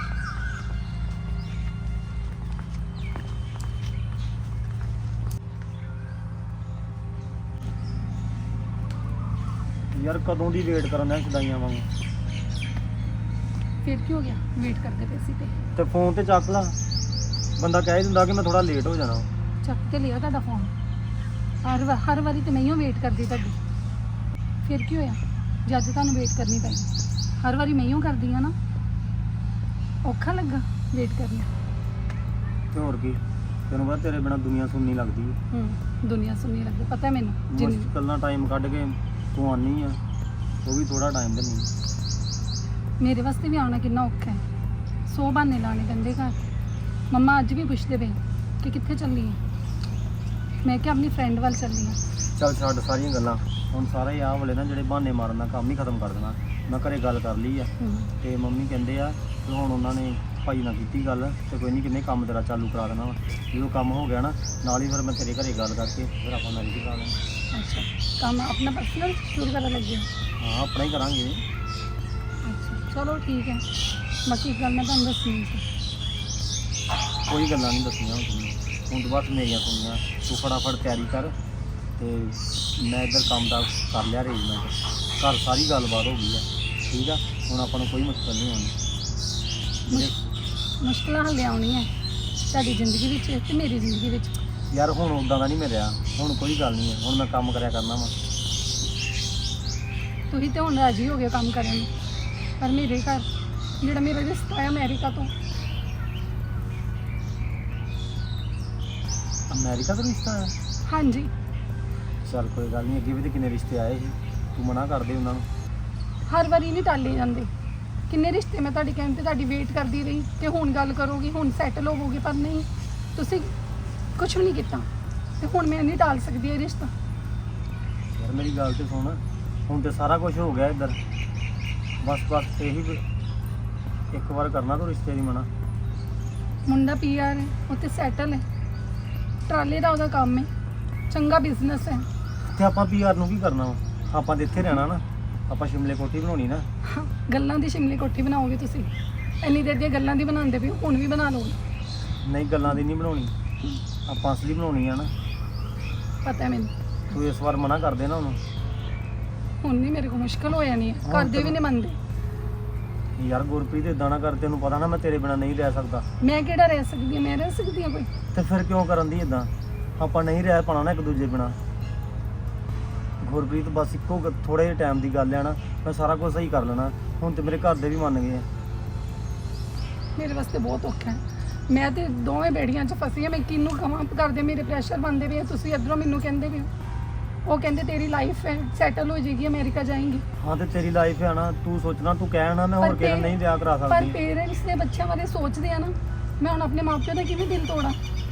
ਯਾਰ ਕਦੋਂ ਦੀ ਵੇਟ ਕਰਨ ਦਾ ਛਦਾਈਆਂ ਵਾਂਗੂ। ਫਿਰ ਕੀ ਹੋ ਗਿਆ, ਵੇਟ ਕਰਦੇ ਪਏ ਸੀ ਤੇ ਫੋਨ ਤੇ ਚੱਕ ਲਾ, ਬੰਦਾ ਕਹਿ ਦਿੰਦਾ ਕਿ ਮੈਂ ਥੋੜਾ ਲੇਟ ਹੋ ਜਾਣਾ। ਚੱਕ ਕੇ ਲਿਆ ਤੁਹਾਡਾ ਫੋਨ। ਹਰ ਵਾਰੀ ਤੇ ਮੈਂ ਹੀ ਵੇਟ ਕਰਦੀ ਤੁਹਾਡੀ। ਫਿਰ ਕੀ ਹੋਇਆ, ਜਦ ਤੁਹਾਨੂੰ ਵੇਟ ਕਰਨੀ ਪਈ। ਹਰ ਵਾਰੀ ਮੈਂ ਹੀ ਕਰਦੀ ਆ ਨਾ, ਔਖਾ ਲੱਗਾ ਵੇਟ ਕਰਨਾ। ਤੇ ਹੋਰ ਕੀ, ਤੈਨੂੰ ਪਤਾ ਤੇਰੇ ਬਿਨਾ ਦੁਨੀਆ ਸੁਣਨੀ ਲੱਗਦੀ ਹੈ। ਦੁਨੀਆ ਸੁਣਨੀ ਲੱਗਦੀ, ਪਤਾ ਮੈਨੂੰ। ਜਿੰਨੀ ਮੁਸ਼ਕਿਲ ਨਾਲ ਟਾਈਮ ਕੱਢ ਕੇ ਤੂੰ ਆਨੀ ਆ, ਉਹ ਵੀ ਥੋੜਾ ਟਾਈਮ ਦੇ ਨਹੀਂ। ਮੇਰੇ ਵਾਸਤੇ ਵੀ ਆਉਣਾ ਕਿੰਨਾ ਔਖਾ ਹੈ। 100 ਬਹਾਨੇ ਲਾਣੇ ਪੈਂਦੇ ਘਰ। ਮੰਮਾ ਅੱਜ ਵੀ ਪੁੱਛਦੇ ਪਏ ਕਿ ਕਿੱਥੇ ਚੱਲੀ ਹੈ। ਮੈਂ ਕਿਹਾ ਆਪਣੀ ਫਰੈਂਡ ਵੱਲ ਚੱਲੀ ਹਾਂ। ਚੱਲ ਛੱਡ ਸਾਰੀਆਂ ਗੱਲਾਂ, ਹੁਣ ਸਾਰੇ ਆਹ ਵਾਲੇ ਨਾ ਜਿਹੜੇ ਬਹਾਨੇ ਮਾਰਨ ਦਾ ਕੰਮ ਹੀ ਖਤਮ ਕਰ ਦੇਣਾ। ਮੈਂ ਘਰੇ ਗੱਲ ਕਰ ਲਈ ਆ ਤੇ ਮੰਮੀ ਕਹਿੰਦੇ ਆ ਕਿ ਹੁਣ ਉਹਨਾਂ ਨੇ ਭਾਈ ਨਾਲ ਕੀਤੀ ਗੱਲ ਤੇ ਕੋਈ ਨਹੀਂ, ਕਿੰਨੇ ਕੰਮ ਤੇਰਾ ਚਾਲੂ ਕਰਾ ਦੇਣਾ ਵਾ। ਜਦੋਂ ਕੰਮ ਹੋ ਗਿਆ ਨਾ ਨਾਲ ਹੀ ਫਿਰ ਮੈਂ ਤੇਰੇ ਘਰੇ ਗੱਲ ਕਰਕੇ ਫਿਰ ਆਪਾਂ ਮੈਰਿਜ ਕਰਾ ਲੈਣਾ। ਅੱਛਾ, ਕੰਮ ਆਪਣਾ ਪਰਸਨਲ ਸ਼ੁਰੂ ਕਰਨ ਲੱਗੇ ਹੋ? ਹਾਂ ਆਪਣਾ ਹੀ ਕਰਾਂਗੇ। ਅੱਛਾ ਚਲੋ ਠੀਕ ਹੈ। ਬਾਕੀ ਇੱਕ ਗੱਲ ਮੈਂ ਤੁਹਾਨੂੰ ਦੱਸਣੀ ਸੀ। ਕੋਈ ਗੱਲਾਂ ਨਹੀਂ ਦੱਸਣੀਆਂ ਹੁਣ ਤੋਂ ਬਸ ਮੇਰੀਆਂ ਸੁਣੀਆਂ। ਤੂੰ ਫਟਾਫਟ ਤਿਆਰੀ ਕਰ ਤੇ ਮੈਂ ਇੱਧਰ ਕੰਮ ਦਾ ਕਰ ਲਿਆ ਅਰੇਂਜਮੈਂਟ। ਘਰ ਸਾਰੀ ਗੱਲਬਾਤ ਹੋ ਗਈ ਆ, ਠੀਕ ਆ। ਹੁਣ ਆਪਾਂ ਨੂੰ ਕੋਈ ਮੁਸ਼ਕਲ ਨਹੀਂ ਆਉਣੀ। ਮੁਸ਼ਕਲਾਂ ਹੱਲੇ ਆਉਣੀਆਂ ਤੁਹਾਡੀ ਜ਼ਿੰਦਗੀ ਵਿੱਚ ਤੇ ਮੇਰੀ ਜ਼ਿੰਦਗੀ ਵਿੱਚ। ਯਾਰ ਹੁਣ ਉੱਦਾਂ ਦਾ ਨਹੀਂ ਮੈਂ ਰਿਹਾ, ਹੁਣ ਕੋਈ ਗੱਲ ਨਹੀਂ ਹੈ। ਹੁਣ ਮੈਂ ਕੰਮ ਕਰਿਆ ਕਰਨਾ ਵਾ। ਤੁਸੀਂ ਤੇ ਹੁਣ ਰਾਜੀ ਹੋ ਗਏ ਕੰਮ ਕਰਨ ਨੂੰ, ਪਰ ਮੇਰੇ ਘਰ ਜਿਹੜਾ ਮੇਰਾ ਰਿਸ਼ਤਾ ਹੈ ਅਮਰੀਕਾ ਤੋਂ। ਅਮਰੀਕਾ ਤੋਂ ਰਿਸ਼ਤਾ ਆਇਆ? ਹਾਂਜੀ। ਚੱਲ ਕੋਈ ਗੱਲ ਨਹੀਂ, ਅੱਗੇ ਵੀ ਤੇ ਕਿੰਨੇ ਰਿਸ਼ਤੇ ਆਏ ਸੀ, ਤੂੰ ਮਨਾ ਕਰਦੇ ਉਹਨਾਂ ਨੂੰ। ਹਰ ਵਾਰੀ ਨਹੀਂ ਟਾਲੇ ਜਾਂਦੇ। ਕਿੰਨੇ ਰਿਸ਼ਤੇ ਮੈਂ ਤੁਹਾਡੇ ਕਹਿਣ ਤੇ ਤੁਹਾਡੀ ਵੇਟ ਕਰਦੀ ਰਹੀ ਤੇ ਹੁਣ ਗੱਲ ਕਰੋਗੀ, ਹੁਣ ਸੈਟਲ ਹੋਵੋਗੇ, ਪਰ ਨਹੀਂ, ਤੁਸੀਂ ਕੁਝ ਵੀ ਨਹੀਂ ਕੀਤਾ ਤੇ ਹੁਣ ਮੈਂ ਨਹੀਂ ਟਾਲ ਸਕਦੀ ਇਹ ਰਿਸ਼ਤਾ। ਯਾਰ ਮੇਰੀ ਗੱਲ ਤੇ ਸੁਣ, ਹੁਣ ਤੇ ਸਾਰਾ ਕੁਝ ਹੋ ਗਿਆ ਇੱਧਰ। ਬਸ ਇਹੀ ਇੱਕ ਵਾਰ ਕਰਨਾ ਤੂੰ ਰਿਸ਼ਤੇ ਦੀ ਮਨਾ। ਮੁੰਡਾ ਪੀਆਰ ਹੈ, ਉੱਥੇ ਸੈਟਲ ਹੈ, ਟਰਾਲੇ ਦਾ ਉਹਦਾ ਕੰਮ ਹੈ, ਚੰਗਾ ਬਿਜ਼ਨਸ ਹੈ। ਤੇ ਆਪਾਂ ਪੀਆਰ ਨੂੰ ਕੀ ਕਰਨਾ ਵਾ? ਆਪਾਂ ਤੇ ਇੱਥੇ ਰਹਿਣਾ ਨਾ। ਆਪਾਂ ਸ਼ਿਮਲੇ ਕੋਠੀ ਬਣਾਉਣੀ ਨਾ। ਗੱਲਾਂ ਦੀ ਸ਼ਿਮਲੇ ਕੋਠੀ ਬਣਾਓਗੇ ਤੁਸੀਂ? ਇੰਨੀ ਦੇਰ ਦੀਆਂ ਗੱਲਾਂ ਦੀ ਬਣਾਉਂਦੇ ਪਏ, ਹੁਣ ਵੀ ਬਣਾ ਲਓਗੇ? ਨਹੀਂ ਗੱਲਾਂ ਦੀ ਨਹੀਂ ਬਣਾਉਣੀ, ਆਪਾਂ ਅਸਲੀ ਬਣਾਉਣੀ ਆ ਨਾ। ਪਤਾ ਮੈਨੂੰ। ਤੂੰ ਇਸ ਵਾਰ ਮਨਾ ਕਰ ਦੇ ਨਾ ਉਹਨੂੰ। ਹੁਣ ਨਹੀਂ, ਮੇਰੇ ਕੋਲ ਮੁਸ਼ਕਲ ਹੋ ਜਾਣੀ ਹੈ। ਕਰਦੇ ਵੀ ਨਹੀਂ ਮੰਨਦੇ। ਯਾਰ ਗੁਰਪ੍ਰੀਤ ਇਦਾਂ ਨਾ ਕਰ, ਤੈਨੂੰ ਪਤਾ ਨਾ ਮੈਂ ਤੇਰੇ ਬਿਨਾ ਨਹੀਂ ਰਹਿ ਸਕਦਾ। ਮੈਂ ਕਿਹੜਾ ਰਹਿ ਸਕਦੀ ਹਾਂ? ਮੈਂ ਰਹਿ ਸਕਦੀ ਹਾਂ ਕੋਈ? ਤੇ ਫਿਰ ਕਿਉਂ ਕਰਨ ਦੀ ਇਦਾਂ? ਆਪਾਂ ਨਹੀਂ ਰਹਿ ਪਾਣਾ ਨਾ ਇੱਕ ਦੂਜੇ ਬਿਨਾ। ਗੁਰਪ੍ਰੀਤ ਬਸ ਇੱਕੋ ਥੋੜੇ ਜਿਹੇ ਟਾਈਮ ਦੀ ਗੱਲ ਹੈ ਨਾ, ਮੈਂ ਸਾਰਾ ਕੁਝ ਸਹੀ ਕਰ ਲੈਣਾ। ਹੁਣ ਤੇ ਮੇਰੇ ਘਰ ਦੇ ਵੀ ਮੰਨ ਗਏ ਆ। ਮੇਰੇ ਵਾਸਤੇ ਬਹੁਤ ਔਖਾ ਹੈ। ਮੈਂ ਤੇ ਦੋਵੇਂ ਬੇੜੀਆਂ 'ਚ ਫਸੀ ਹਾਂ। ਮੈਂ ਕਿਹਨੂੰ ਕਹਾਂ? ਕਰਦੇ ਮੇਰੇ ਪ੍ਰੈਸ਼ਰ ਬਣਦੇ ਪਏ। ਤੁਸੀਂ ਇੱਧਰੋਂ ਮੈਨੂੰ ਕਹਿੰਦੇ ਪਏ, ਉਹ ਕਹਿੰਦੇ ਤੇਰੀ ਲਾਈਫ ਹੈ, ਸੈਟਲ ਹੋ ਜਾਏਗੀ, ਅਮਰੀਕਾ ਜਾਏਂਗੀ। ਹਾਂ ਤੇ ਤੇਰੀ ਲਾਈਫ ਹੈ ਨਾ, ਤੂੰ ਸੋਚਣਾ, ਤੂੰ ਕਹਿਣਾ ਮੈਂ ਹੋਰ ਕਿਸੇ ਨਾਲ ਨਹੀਂ ਵਿਆਹ ਕਰਾ ਪਰ ਸਕਦੀ। ਪੇਰੈਂਟਸ ਦੇ ਬੱਚਿਆਂ ਬਾਰੇ ਸੋਚਦੇ ਆ ਨਾ। ਮੈਂ ਹੁਣ ਆਪਣੇ ਮਾਪਿਆਂ ਦਾ ਕਿਵੇਂ ਦਿਲ ਤੋੜਾਂ?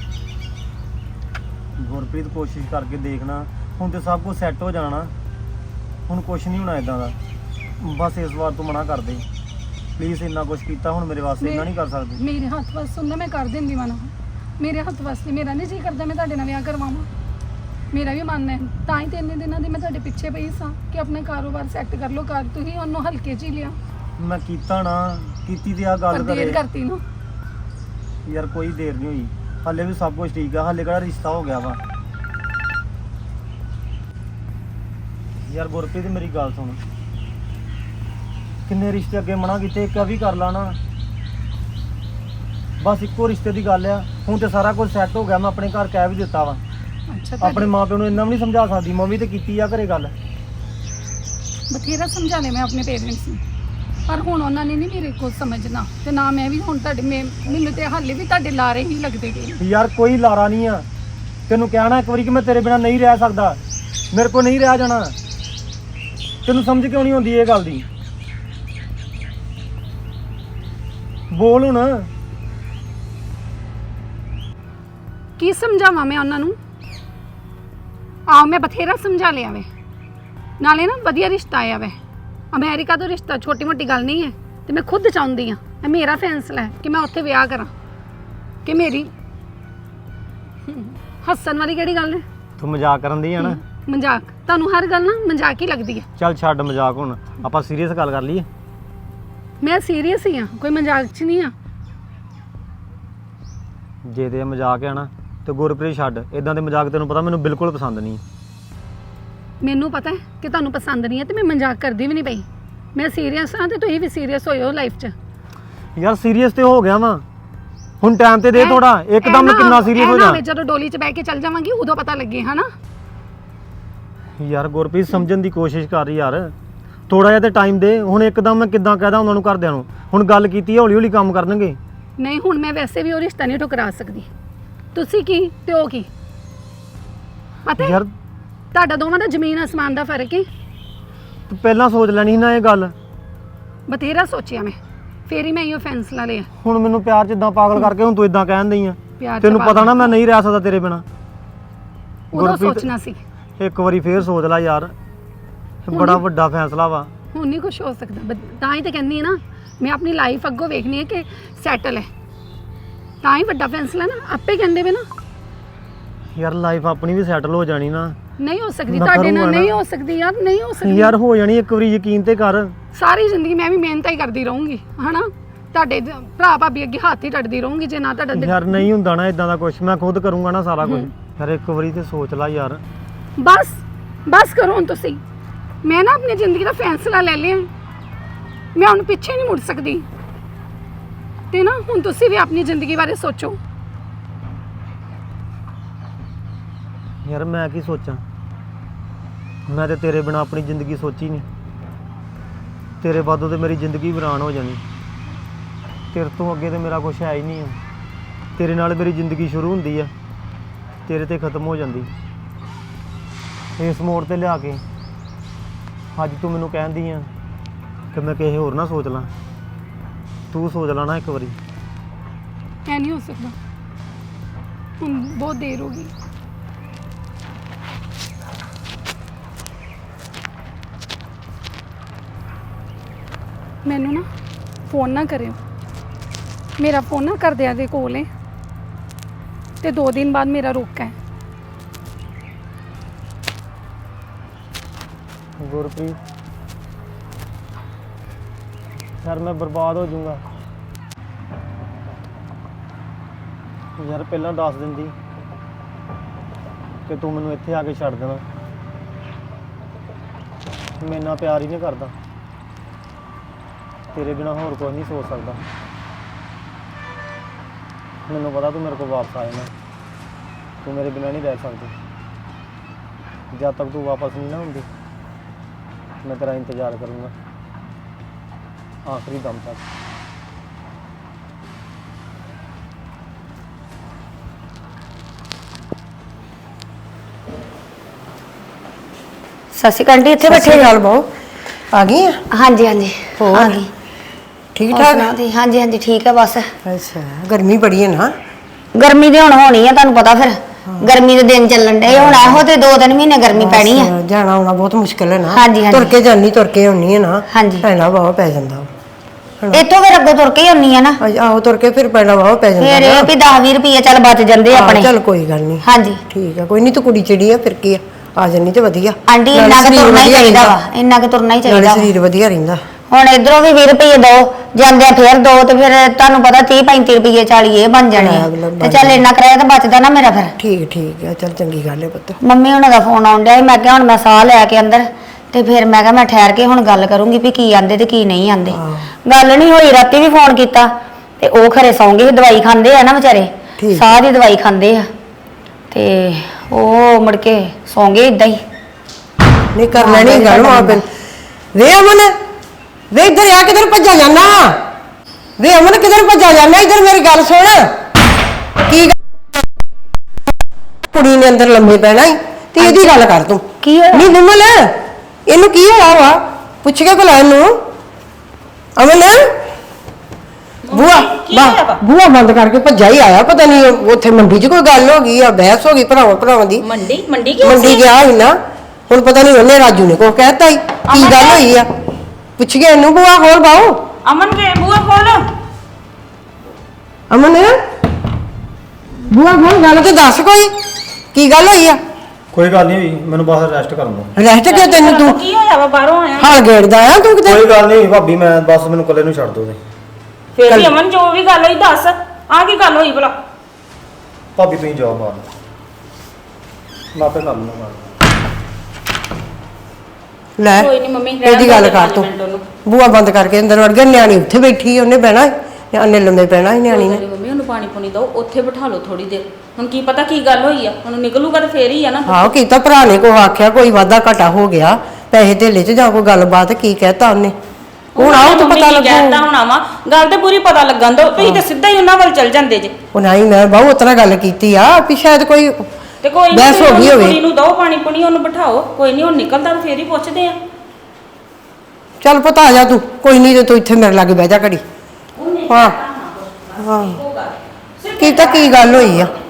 ਗੁਰਪ੍ਰੀਤ ਕੋਸ਼ਿਸ਼ ਕਰਕੇ ਦੇਖਣਾ, ਹੁਣ ਤੇ ਸਭ ਕੁਝ ਸੈੱਟ ਹੋ ਜਾਣਾ। ਹੁਣ ਕੁਝ ਨਹੀਂ ਹੋਣਾ ਇਦਾਂ ਦਾ। ਬਸ ਇਸ ਵਾਰ ਤੂੰ ਮਨਾ ਕਰ ਦੇ ਪਲੀਜ਼। ਇੰਨਾ ਕੁਝ ਕੀਤਾ ਹੁਣ ਮੇਰੇ ਵਾਸਤੇ ਇੰਨਾ ਨਹੀਂ ਕਰ ਸਕਦੀ। ਮੇਰੇ ਹੱਥ ਵੱਸ ਹੁੰਦਾ ਮੈਂ ਕਰ ਦਿੰਦੀ ਮਨਾ। ਮੇਰੇ ਹੱਥ ਵੱਸ ਮੇਰਾ ਨਹੀਂ ਜੀ ਕਰਦਾ ਮੈਂ ਤੁਹਾਡੇ ਨਾਲ ਵਿਆਹ ਕਰਵਾਵਾਂ। ਮੇਰਾ ਵੀ ਮਨ ਹੈ, ਤਾਂ ਹੀ 3 ਦਿਨਾਂ ਦੀ ਮੈਂ ਤੁਹਾਡੇ ਪਿੱਛੇ ਪਈ ਸਾਂ ਕਿ ਆਪਣਾ ਕਾਰੋਬਾਰ ਸੈੱਟ ਕਰ ਲਓ। ਕਰ ਤੁਸੀਂ ਉਹਨੂੰ ਹਲਕੇ 'ਚ ਹੀ ਲਿਆ। ਮੈਂ ਕੀਤਾ ਨਾ, ਕੀਤੀ ਤੇ ਆ ਗੱਲ ਪਰ ਦੇਰ ਕਰੇ ਕਰਤੀ ਨਾ। ਯਾਰ ਕੋਈ ਦੇਰ ਨਹੀਂ ਹੋਈ, ਹਾਲੇ ਵੀ ਸਭ ਕੁਝ ਠੀਕ ਆ। ਹਾਲੇ ਕਿਹੜਾ ਰਿਸ਼ਤਾ ਹੋ ਗਿਆ ਵਾ? ਯਾਰ ਗੁਰਪ੍ਰੀਤ ਮੇਰੀ ਗੱਲ ਸੁਣ, ਕਿੰਨੇ ਰਿਸ਼ਤੇ ਅੱਗੇ ਮਨਾ ਕੀਤੇ, ਇੱਕ ਵੀ ਕਰ ਲਾ ਨਾ। ਬਸ ਇੱਕੋ ਰਿਸ਼ਤੇ ਦੀ ਗੱਲ ਆ। ਹੁਣ ਤੇ ਸਾਰਾ ਕੁਝ ਸੈੱਟ ਹੋ ਗਿਆ, ਮੈਂ ਆਪਣੇ ਘਰ ਕਹਿ ਵੀ ਦਿੱਤਾ ਵਾ। ਅੱਛਾ, ਆਪਣੇ ਮਾਪਿਆਂ ਨੂੰ ਇੰਨਾ ਵੀ ਨਹੀਂ ਸਮਝਾ ਸਕਦੀ, ਮੰਮੀ ਤੇ ਕੀਤੀ ਆ ਘਰੇ ਗੱਲ। ਬਥੇਰਾ ਸਮਝਾ ਲਿਆ ਮੈਂ ਆਪਣੇ ਪੇਰੈਂਟਸ ਨੂੰ, ਪਰ ਹੁਣ ਉਹਨਾਂ ਨੇ ਨਹੀਂ ਮੇਰੇ ਕੋਲ ਸਮਝਣਾ ਤੇ ਨਾ ਮੈਂ ਵੀ। ਹੁਣ ਤੁਹਾਡੇ ਮੈਨੂੰ ਤੇ ਹਾਲੇ ਵੀ ਤੁਹਾਡੇ ਲਾਰੇ ਹੀ ਲੱਗਦੇ ਗਏ। ਯਾਰ ਕੋਈ ਲਾਰਾ ਨਹੀਂ ਆ। ਤੈਨੂੰ ਕਹਿਣਾ ਇੱਕ ਵਾਰੀ ਕਿ ਮੈਂ ਤੇਰੇ ਬਿਨਾ ਨਹੀਂ ਰਹਿ ਸਕਦਾ, ਮੇਰੇ ਕੋਲ ਨਹੀਂ ਰਹਿ ਜਾਣਾ। ਤੈਨੂੰ ਸਮਝ ਕਿਉਂ ਨਹੀਂ ਆਉਂਦੀ ਇਹ ਗੱਲ ਦੀ? ਬੋਲ ਹੁਣ। ਕੀ ਸਮਝਾਵਾਂ ਮੈਂ ਉਹਨਾਂ ਨੂੰ? ਆਹ ਮੈਂ ਬਥੇਰਾ ਸਮਝਾ ਲਿਆ ਵੇ। ਨਾਲੇ ਨਾ ਵਧੀਆ ਰਿਸ਼ਤਾ ਆਇਆ ਵੇ ਅਮਰੀਕਾ ਤੋਂ। ਰਿਸ਼ਤਾ ਛੋਟੀ ਮੋਟੀ ਗੱਲ ਨਹੀਂ ਹੈ ਤੇ ਮੈਂ ਖੁਦ ਚਾਹੁੰਦੀ ਹਾਂ, ਇਹ ਮੇਰਾ ਫੈਸਲਾ ਹੈ ਕਿ ਮੈਂ ਉੱਥੇ ਵਿਆਹ ਕਰਾਂ। ਕਿ ਮੇਰੀ ਹੱਸਣ ਵਾਲੀ ਕਿਹੜੀ ਗੱਲ ਹੈ? ਤੂੰ ਮਜ਼ਾਕ ਕਰਨ ਦੀ ਆ ਨਾ। ਮਜ਼ਾਕ? ਤੁਹਾਨੂੰ ਹਰ ਗੱਲ ਨਾ ਮਜ਼ਾਕ ਹੀ ਲੱਗਦੀ ਹੈ। ਚੱਲ ਛੱਡ ਮਜ਼ਾਕ, ਹੁਣ ਆਪਾਂ ਸੀਰੀਅਸ ਗੱਲ ਕਰ ਲਈਏ। ਮੈਂ ਸੀਰੀਅਸ ਹੀ ਹਾਂ, ਕੋਈ ਮਜ਼ਾਕ 'ਚ ਨਹੀਂ ਆ। ਜੇ ਤੇ ਮਜ਼ਾਕ ਆ ਨਾ ਤੇ ਗੁਰਪ੍ਰੀਤ ਛੱਡ। ਇਦਾਂ ਦੇ ਮਜ਼ਾਕ ਤੈਨੂੰ ਪਤਾ ਮੈਨੂੰ ਬਿਲਕੁਲ ਪਸੰਦ ਨਹੀਂ। ਮੈਨੂੰ ਪਤਾ ਹੈ ਕਿ ਤੁਹਾਨੂੰ ਪਸੰਦ ਨਹੀਂ ਹੈ ਤੇ ਮੈਂ ਮਜ਼ਾਕ ਕਰਦੀ ਵੀ ਨਹੀਂ ਪਈ। ਮੈਂ ਸੀਰੀਅਸ ਹਾਂ ਤੇ ਤੁਸੀਂ ਵੀ ਸੀਰੀਅਸ ਹੋਇਓ ਲਾਈਫ 'ਚ। ਯਾਰ ਸੀਰੀਅਸ ਤੇ ਹੋ ਗਿਆ ਵਾਂ, ਹੁਣ ਟਾਈਮ ਤੇ ਦੇ ਥੋੜਾ, ਇੱਕਦਮ ਕਿੰਨਾ ਸੀਰੀਅਸ ਹੋ ਜਾ। ਮੈਂ ਜਦੋਂ ਡੋਲੀ 'ਚ ਬਹਿ ਕੇ ਚੱਲ ਜਾਵਾਂਗੀ ਉਦੋਂ ਪਤਾ ਲੱਗੇ ਹਨਾ। ਯਾਰ ਗੁਰਪ੍ਰੀਤ ਸਮਝਣ ਦੀ ਕੋਸ਼ਿਸ਼ ਕਰ ਯਾਰ, ਥੋੜਾ ਜਿਹਾ ਤੇ ਟਾਈਮ ਦੇ। ਹੁਣ ਇੱਕਦਮ ਮੈਂ ਕਿੱਦਾਂ ਕਹਿਦਾ ਉਹਨਾਂ ਨੂੰ ਘਰਦਿਆਂ ਨੂੰ, ਹੁਣ ਗੱਲ ਕੀਤੀ ਹੌਲੀ ਹੌਲੀ ਕੰਮ ਕਰਨਗੇ। ਨਹੀਂ ਹੁਣ ਮੈਂ ਵੈਸੇ ਵੀ ਉਹ ਰਿਸ਼ਤਾ ਨਹੀਂ ਠੁਕਰਾ ਸਕਦੀ। ਤੁਸੀਂ ਕੀ ਤੇ ਉਹ ਕੀ, ਪਤਾ ਹੈ? ਯਾਰ ਤੁਹਾਡਾ ਦੋਵਾਂ ਦਾ ਜ਼ਮੀਨ ਅਸਮਾਨ ਦਾ ਫਰਕ ਹੈ। ਤੂੰ ਪਹਿਲਾਂ ਸੋਚ ਲੈਣੀ ਸੀ ਨਾ ਇਹ ਗੱਲ। ਬਥੇਰਾ ਸੋਚਿਆ ਮੈਂ, ਫੇਰ ਹੀ ਮੈਂ ਇਹ ਫੈਸਲਾ ਲਿਆ। ਹੁਣ ਮੈਨੂੰ ਪਿਆਰ 'ਚ ਇਦਾਂ ਪਾਗਲ ਕਰਕੇ ਹੁਣ ਤੂੰ ਇਦਾਂ ਕਹਿਣ ਦਈ ਆ। ਪਿਆਰ 'ਚ ਤੈਨੂੰ ਪਤਾ ਪਾਗਲ। ਨਾ ਮੈਂ ਨਹੀਂ ਰਹਿ ਸਕਦਾ ਤੇਰੇ ਬਿਨਾ। ਉਦੋਂ ਸੋਚਣਾ ਸੀ, ਇੱਕ ਵਾਰੀ ਫੇਰ ਸੋਚ ਲੈ ਯਾਰ, ਬੜਾ ਵੱਡਾ ਫੈਸਲਾ ਵਾ। ਹੁਣ ਨਹੀਂ ਕੁਝ ਹੋ ਸਕਦਾ। ਤਾਂ ਹੀ ਤਾਂ ਕਹਿੰਦੀ ਹੈ ਨਾ, ਮੈਂ ਆਪਣੀ ਲਾਈਫ ਅੱਗੋਂ ਵੇਖਣੀ ਹੈ ਕਿ ਸੈਟਲ ਹੈ। ਤਾਂ ਹੀ ਵੱਡਾ ਫੈਸਲਾ ਨਾ, ਆਪੇ ਕਹਿੰਦੇ ਵੇ ਨਾ। ਯਾਰ ਲਾਈਫ ਆਪਣੀ ਵੀ ਸੈਟਲ ਹੋ ਜਾਣੀ ਨਾ। ਨਹੀਂ ਹੋ ਸਕਦੀ ਮੈਂ ਤੁਹਾਡੇ ਨਾਲ, ਕਰੂੰਗਾ ਨਹੀਂ ਨਾ। ਹੋ ਸਕਦੀ ਯਾਰ, ਨਹੀਂ ਹੋ ਸਕਦੀ। ਯਾਰ ਹੋ ਜਾਣੀ, ਇੱਕ ਵਾਰੀ ਯਕੀਨ ਤੇ ਕਰ। ਸਾਰੀ ਜ਼ਿੰਦਗੀ ਮੈਂ ਵੀ ਮਿਹਨਤ ਹੀ ਕਰਦੀ ਰਹੂੰਗੀ ਹਨਾ, ਤੁਹਾਡੇ ਭਰਾ ਭਾਬੀ ਅੱਗੇ ਹੱਥ ਹੀ ਟੱਟਦੀ ਰਹੂੰਗੀ ਜੇ ਨਾ ਤੁਹਾਡਾ ਯਾਰ ਨਹੀਂ ਹੁੰਦਾ ਨਾ ਇਦਾਂ ਦਾ ਕੁਝ, ਮੈਂ ਖੁਦ ਕਰੂੰਗਾ ਨਾ ਸਾਰਾ ਕੁਝ। ਯਾਰ ਇੱਕ ਵਾਰੀ ਤੇ ਸੋਚ ਲੈ ਯਾਰ। ਬਸ ਕਰੋ ਹੁਣ ਤੁਸੀਂ। ਮੈਂ ਨਾ ਆਪਣੀ ਜ਼ਿੰਦਗੀ ਦਾ ਫੈਸਲਾ ਲੈ ਲਿਆ, ਮੈਂ ਹੁਣ ਪਿੱਛੇ ਨਹੀਂ ਮੁੜ ਸਕਦੀ। ਤੇ ਨਾ ਹੁਣ ਤੁਸੀਂ ਵੀ ਆਪਣੀ ਜ਼ਿੰਦਗੀ ਬਾਰੇ ਸੋਚੋ। ਯਾਰ ਮੈਂ ਕੀ ਸੋਚਾਂ, ਮੈਂ ਤੇ ਤੇਰੇ ਬਿਨਾ ਆਪਣੀ ਜ਼ਿੰਦਗੀ ਸੋਚੀ ਨਹੀਂ। ਤੇਰੇ ਬਾਦੋਂ ਤੇ ਮੇਰੀ ਜ਼ਿੰਦਗੀ ਵੀਰਾਨ ਹੋ ਜਾਣੀ। ਤੇਰੇ ਤੋਂ ਅੱਗੇ ਤੇ ਮੇਰਾ ਕੁਝ ਹੈ ਹੀ ਨਹੀਂ ਆ। ਤੇਰੇ ਨਾਲ ਮੇਰੀ ਜ਼ਿੰਦਗੀ ਸ਼ੁਰੂ ਹੁੰਦੀ ਆ, ਤੇਰੇ ਤੇ ਖਤਮ ਹੋ ਜਾਂਦੀ। ਇਸ ਮੋੜ ਤੇ ਲਿਆ ਕੇ ਅੱਜ ਤੂੰ ਮੈਨੂੰ ਕਹਿੰਦੀ ਆ ਕਿ ਮੈਂ ਕਿਸੇ ਹੋਰ ਨਾ ਸੋਚ ਲਾਂ। ਤੂੰ ਸੋਚ ਲਾ ਨਾ ਇੱਕ ਵਾਰੀ। ਐ ਨਹੀਂ ਹੋ ਸਕਦਾ, ਹੁਣ ਬਹੁਤ ਦੇਰ ਹੋ ਗਈ। ਮੈਨੂੰ ਨਾ ਫੋਨ ਨਾ ਕਰਿਓ, ਮੇਰਾ ਫੋਨ ਨਾ ਘਰਦਿਆਂ ਦੇ ਕੋਲ ਹੈ ਤੇ 2 ਦਿਨ ਬਾਅਦ ਮੇਰਾ ਰੋਕਾ ਹੈ। ਗੁਰਪ੍ਰੀਤ ਯਾਰ ਮੈਂ ਬਰਬਾਦ ਹੋ ਜਾਊਂਗਾ। ਯਾਰ ਪਹਿਲਾਂ ਦੱਸ ਦਿੰਦੀ ਕਿ ਤੂੰ ਮੈਨੂੰ ਇੱਥੇ ਆ ਕੇ ਛੱਡ ਦੇਣਾ। ਮੈਂ ਇੰਨਾ ਪਿਆਰ ਹੀ ਨਹੀਂ ਕਰਦਾ, ਤੇਰੇ ਬਿਨਾ ਹੋਰ ਕੁਝ ਨਹੀਂ ਸੋਚ ਸਕਦਾ। ਮੈਨੂੰ ਪਤਾ ਤੂੰ ਮੇਰੇ ਕੋਲ ਵਾਪਸ ਆ ਜਾਣਾ, ਤੂੰ ਮੇਰੇ ਬਿਨਾ ਨਹੀਂ ਰਹਿ ਸਕਦੀ। ਜਦ ਤੱਕ ਤੂੰ ਵਾਪਸ ਨਹੀਂ ਨਾ ਹੁੰਦੀ ਮੈਂ ਤੇਰਾ ਇੰਤਜ਼ਾਰ ਕਰੂੰਗਾ ਆਖਰੀ ਦਮ ਤੱਕ। ਸਤਿ ਸ਼੍ਰੀ ਅਕਾਲ ਆਂਟੀ, ਇੱਥੇ ਬੈਠੇ ਬੈਠੇ ਗੱਲ ਬਹੁ ਆ ਗਈ ਆ? ਹਾਂਜੀ ਹਾਂਜੀ ਹੋਰ? ਆ ਗਈ। ਠੀਕ ਹੋਰ ਠਾਕ? ਸੁਣਾਓ ਤੁਸੀਂ? ਹਾਂਜੀ ਹਾਂਜੀ ਠੀਕ ਹੈ। ਬਸ ਅੱਛਾ, ਗਰਮੀ ਬੜੀ ਹੈ ਨਾ। ਗਰਮੀ ਦੇ ਹੁਣ ਹੋਣੀ ਹੈ, ਤੁਹਾਨੂੰ ਪਤਾ ਫਿਰ ਗਰਮੀ ਦੇ ਦਿਨ ਚੱਲਣ ਡੇ ਹੁਣ। ਇਹੋ ਤੇ 2-3 ਮਹੀਨੇ ਗਰਮੀ ਪੈਣੀ ਹੈ। ਬਸ, ਜਾਣਾ ਆਉਣਾ ਬਹੁਤ ਮੁਸ਼ਕਿਲ ਹੈ ਨਾ। ਹਾਂਜੀ, ਹਾਂਜੀ। ਤੁਰ ਕੇ ਜਾਨੀ, ਤੁਰ ਕੇ ਆਉਣੀ ਹੈ ਨਾ। ਹਾਂਜੀ। ਪੈਣਾ ਵਾਹ ਪੈ ਜਾਂਦਾ ਵਾ। ਇੱਥੋਂ ਫਿਰ ਅੱਗੋਂ ਤੁਰ ਕੇ ਹੀ ਆਉਣੀ ਆ ਨਾ, ਆਹੋ ਤੁਰ ਕੇ ਫਿਰ ਪੈਣਾ ਵਾਹ ਪੈ ਜਾਂਦਾ ਫਿਰ ਨਾ। ਇਹ ਵੀ 10-20 ਰੁਪਏ ਚੱਲ ਬਚ ਜਾਂਦੇ ਹਾਂ, ਆਪਣੇ। ਚੱਲ ਕੋਈ ਗੱਲ ਨਹੀਂ। ਹਾਂਜੀ ਠੀਕ ਆ, ਕੋਈ ਨਹੀਂ, ਤੂੰ ਕੁੜੀ ਚਿੜੀ ਆ, ਫਿਰ ਕੀ ਆ ਜਾਨੀ ਤੇ ਵਧੀਆ। ਆਂਟੀ ਨਾਲੇ ਇੰਨਾ ਕੁ ਸਰੀਰ ਤੁਰਨਾ ਹੀ ਵਧੀਆ ਚਾਹੀਦਾ ਵਾ, ਰਹਿੰਦਾ। ਇੰਨਾ ਕੁ ਤੁਰਨਾ ਹੀ ਨਾਲੇ ਚਾਹੀਦਾ ਵਾ। ਸਰੀਰ ਵਧੀਆ ਰਹਿੰਦਾ। ਹੁਣ ਇਧਰੋਂ ਵੀ 20 ਰੁਪਏ ਦੋ ਜਾਂਦੇ ਫਿਰ ਦੋ ਤੇ ਫਿਰ ਤੁਹਾਨੂੰ ਪਤਾ 30-35 ਰੁਪਏ 40 ਇਹ ਬਣ ਜਾਣੇ ਆ। ਤੇ ਚੱਲ ਇੰਨਾ ਕਿਰਾਇਆ ਤਾਂ ਬਚਦਾ ਨਾ ਮੇਰਾ ਫਿਰ। ਠੀਕ ਆ, ਚੱਲ ਚੰਗੀ ਗੱਲ ਹੈ ਪੁੱਤ। ਮੰਮੀ ਉਹਨਾਂ ਦਾ ਫੋਨ ਆਉਣ ਡਿਆ ਸੀ, ਮੈਂ ਕਿਹਾ ਹੁਣ ਮੈਂ ਸਾਹ ਲੈ ਕੇ ਅੰਦਰ ਤੇ ਫਿਰ ਮੈਂ ਕਿਹਾ ਮੈਂ ਠਹਿਰ ਕੇ ਹੁਣ ਗੱਲ ਕਰੂੰਗੀ ਵੀ ਕੀ ਆਂਦੇ ਤੇ ਕੀ ਨਹੀਂ ਆਂਦੇ। ਗੱਲ ਨਹੀਂ ਹੋਈ, ਰਾਤੀ ਵੀ ਫੋਨ ਕੀਤਾ ਤੇ ਉਹ ਖਰੇ ਸੌਂ ਗਏ, ਦਵਾਈ ਖਾਂਦੇ ਆ ਨਾ ਵਿਚਾਰੇ, ਠੀਕ। ਸਾਹ ਦੀ ਦਵਾਈ ਖਾਂਦੇ ਆ ਤੇ ਉਹ ਮੁੜ ਕੇ ਸੌਂ ਗਏ ਇਦਾਂ ਹੀ। ਨਹੀਂ ਕਰ ਲੈਣੀ ਗੱਲ ਮਾਂ ਬਨ। ਵੇ ਅਮਨ, ਵੇ ਇੱਧਰ ਆ, ਕਿਧਰ ਭੱਜਾ ਜਾਣਾ? ਵੇ ਅਮਨ ਕਿਧਰ ਭੱਜਾ ਜਾਣਾ? ਇੱਧਰ ਮੇਰੀ ਗੱਲ ਸੁਣ। ਕੀ ਕੁੜੀ ਨੇ ਅੰਦਰ ਲੰਮੇ ਪੈਣਾ ਈ ਤੇ ਇਹਦੀ ਗੱਲ ਕਰ ਤੂੰ। ਕੀ ਹੋਇਆ? ਨਹੀਂ ਨਿਮਲ, ਇਹਨੂੰ ਕੀ ਹੋਇਆ ਵਾ? ਪੁੱਛ ਕੇ ਭਲਾ ਇਹਨੂੰ। ਅਮਨ ਬੂਆ ਬੰਦ ਕਰਕੇ ਭੱਜਾ ਹੀ ਆਇਆ। ਪਤਾ ਨਹੀਂ ਉੱਥੇ ਮੰਡੀ 'ਚ ਕੋਈ ਗੱਲ ਹੋ ਗਈ ਆ, ਬਹਿਸ ਹੋ ਗਈ ਭਰਾਵਾਂ ਦੀ। ਮੰਡੀ ਮੰਡੀ ਗਿਆ ਸੀ ਨਾ, ਹੁਣ ਪਤਾ ਨਹੀਂ ਉਹਨੇ ਰਾਜੂ ਨੇ ਕੋ ਕਹਿਤਾ ਹੀ ਕੀ ਗੱਲ ਹੋਈ ਆ। ਪੁੱਛ ਗਿਆ ਇਹਨੂੰ। ਬੂਆ ਖੋਲ ਬਾਓ। ਅਮਨ ਵੇ ਬੂਆ ਖੋਲ। ਅਮਨ ਬੂਆ ਖੋਲ, ਗੱਲ ਤੇ ਦੱਸ ਕੋਈ ਕੀ ਗੱਲ ਹੋਈ ਆ? ਕੋਈ ਗੱਲ ਨਹੀਂ ਹੋਈ, ਮੈਨੂੰ ਬਸ ਰੈਸਟ ਕਰਨ ਦੋ। ਰੈਸਟ ਕਿਉਂ? ਤੈਨੂੰ ਤੂੰ ਕੀ ਹੋਇਆ ਵਾ? ਬਾਹਰੋਂ ਆਇਆ ਹਾਲ ਗੇੜਦਾ ਆ ਤੂੰ ਕਿਤੇ? ਕੋਈ ਗੱਲ ਨਹੀਂ ਭਾਬੀ, ਮੈਂ ਬਸ ਮੈਨੂੰ ਇਕੱਲੇ ਨੂੰ ਛੱਡ ਦੋ। ਫੇਰ ਵੀ ਅਮਨ ਜੋ ਵੀ ਗੱਲ ਹੋਈ ਦੱਸ, ਆ ਕੀ ਗੱਲ ਹੋਈ ਭਲਾ? ਭਾਬੀ ਤੁਸੀਂ ਜਾਓ ਬਾਹਰ, ਮੈਂ ਆਪੇ ਕਰ ਲੂੰਗਾ। ਲੈ ਕੋਈ ਨਹੀਂ ਮੰਮੀ, ਰਹਿਣ ਇਹਦੀ ਗੱਲ ਦਿਓ ਕਰ 5 ਤੂੰ ਮਿੰਟ ਉਹਨੂੰ। ਬੂਆ ਬੰਦ ਕਰਕੇ ਅੰਦਰ ਵੜ ਗਿਆ, ਨਿਆਣੀ ਉੱਥੇ ਬੈਠੀ ਉਹਨੇ ਬਹਿਣਾ ਨਿਆਣੇ ਲੰਮੇ ਪੈਣਾ ਸੀ ਨਿਆਣੀ ਨੇ। ਕੋਈ ਮੰਮੀ ਉਹਨੂੰ ਪਾਣੀ ਪੁਣੀ ਦਿਓ, ਉੱਥੇ ਬਿਠਾ ਲਓ ਥੋੜੀ ਦੇਰ। ਹੁਣ ਕੀ ਪਤਾ ਕੀ ਗੱਲ ਹੋਈ ਆ, ਉਹਨੂੰ ਨਿਕਲੂਗਾ ਤਾਂ ਫੇਰ ਹੀ ਆ ਨਾ। ਆਹੋ ਕੀਤਾ ਭਰਾ ਨੇ ਕੋ ਆਖਿਆ ਕੋਈ ਵਾਧਾ ਘਾਟਾ ਹੋ ਗਿਆ ਪੈਸੇ ਧੇਲੇ 'ਚ ਜਾਂ ਕੋਈ ਗੱਲਬਾਤ ਕੀ ਕਹਿਤਾ ਉਹਨੇ ਹੁਣ ਆਓ ਤਾਂ ਪਤਾ ਲੱਗੂ। ਕਹਿਤਾ ਹੋਣਾ ਵਾ, ਗੱਲ ਤੇ ਪੂਰੀ ਪਤਾ ਲੱਗਣ ਦੋ। ਤੁਸੀਂ ਤਾਂ ਸਿੱਧਾ ਹੀ ਉਹਨਾਂ ਵੱਲ ਚੱਲ ਜਾਂਦੇ ਜੇ। ਉਹ ਨਹੀਂ ਮੈਂ ਬਹੁ ਉਤਨਾ ਗੱਲ ਕੀਤੀ ਆ ਵੀ ਸ਼ਾਇਦ ਕੋਈ ਤੇ ਕੋਈ ਨੀ, ਬਹਿਸ ਹੋ ਗਈ ਹੋਵੇ। ਕੁੜੀ ਨੂੰ ਦਿਓ ਪਾਣੀ ਪੁਣੀ, ਉਹਨੂੰ ਬਿਠਾਓ। ਕੋਈ ਨਹੀਂ, ਹੁਣ ਨਿਕਲਦਾ ਤਾਂ ਫੇਰ ਹੀ ਪੁੱਛਦੇ ਆ। ਚੱਲ ਪਤਾ ਆ ਜਾ ਤੂੰ, ਕੋਈ ਨਹੀਂ ਤੇ ਤੂੰ ਇੱਥੇ ਮੇਰੇ ਲਾਗੇ ਬਹਿ ਜਾ ਘੜੀ। ਹਾਂ ਹਾਂ ਕੀ ਤਾਂ ਕੀ ਗੱਲ ਹੋਈ ਆ।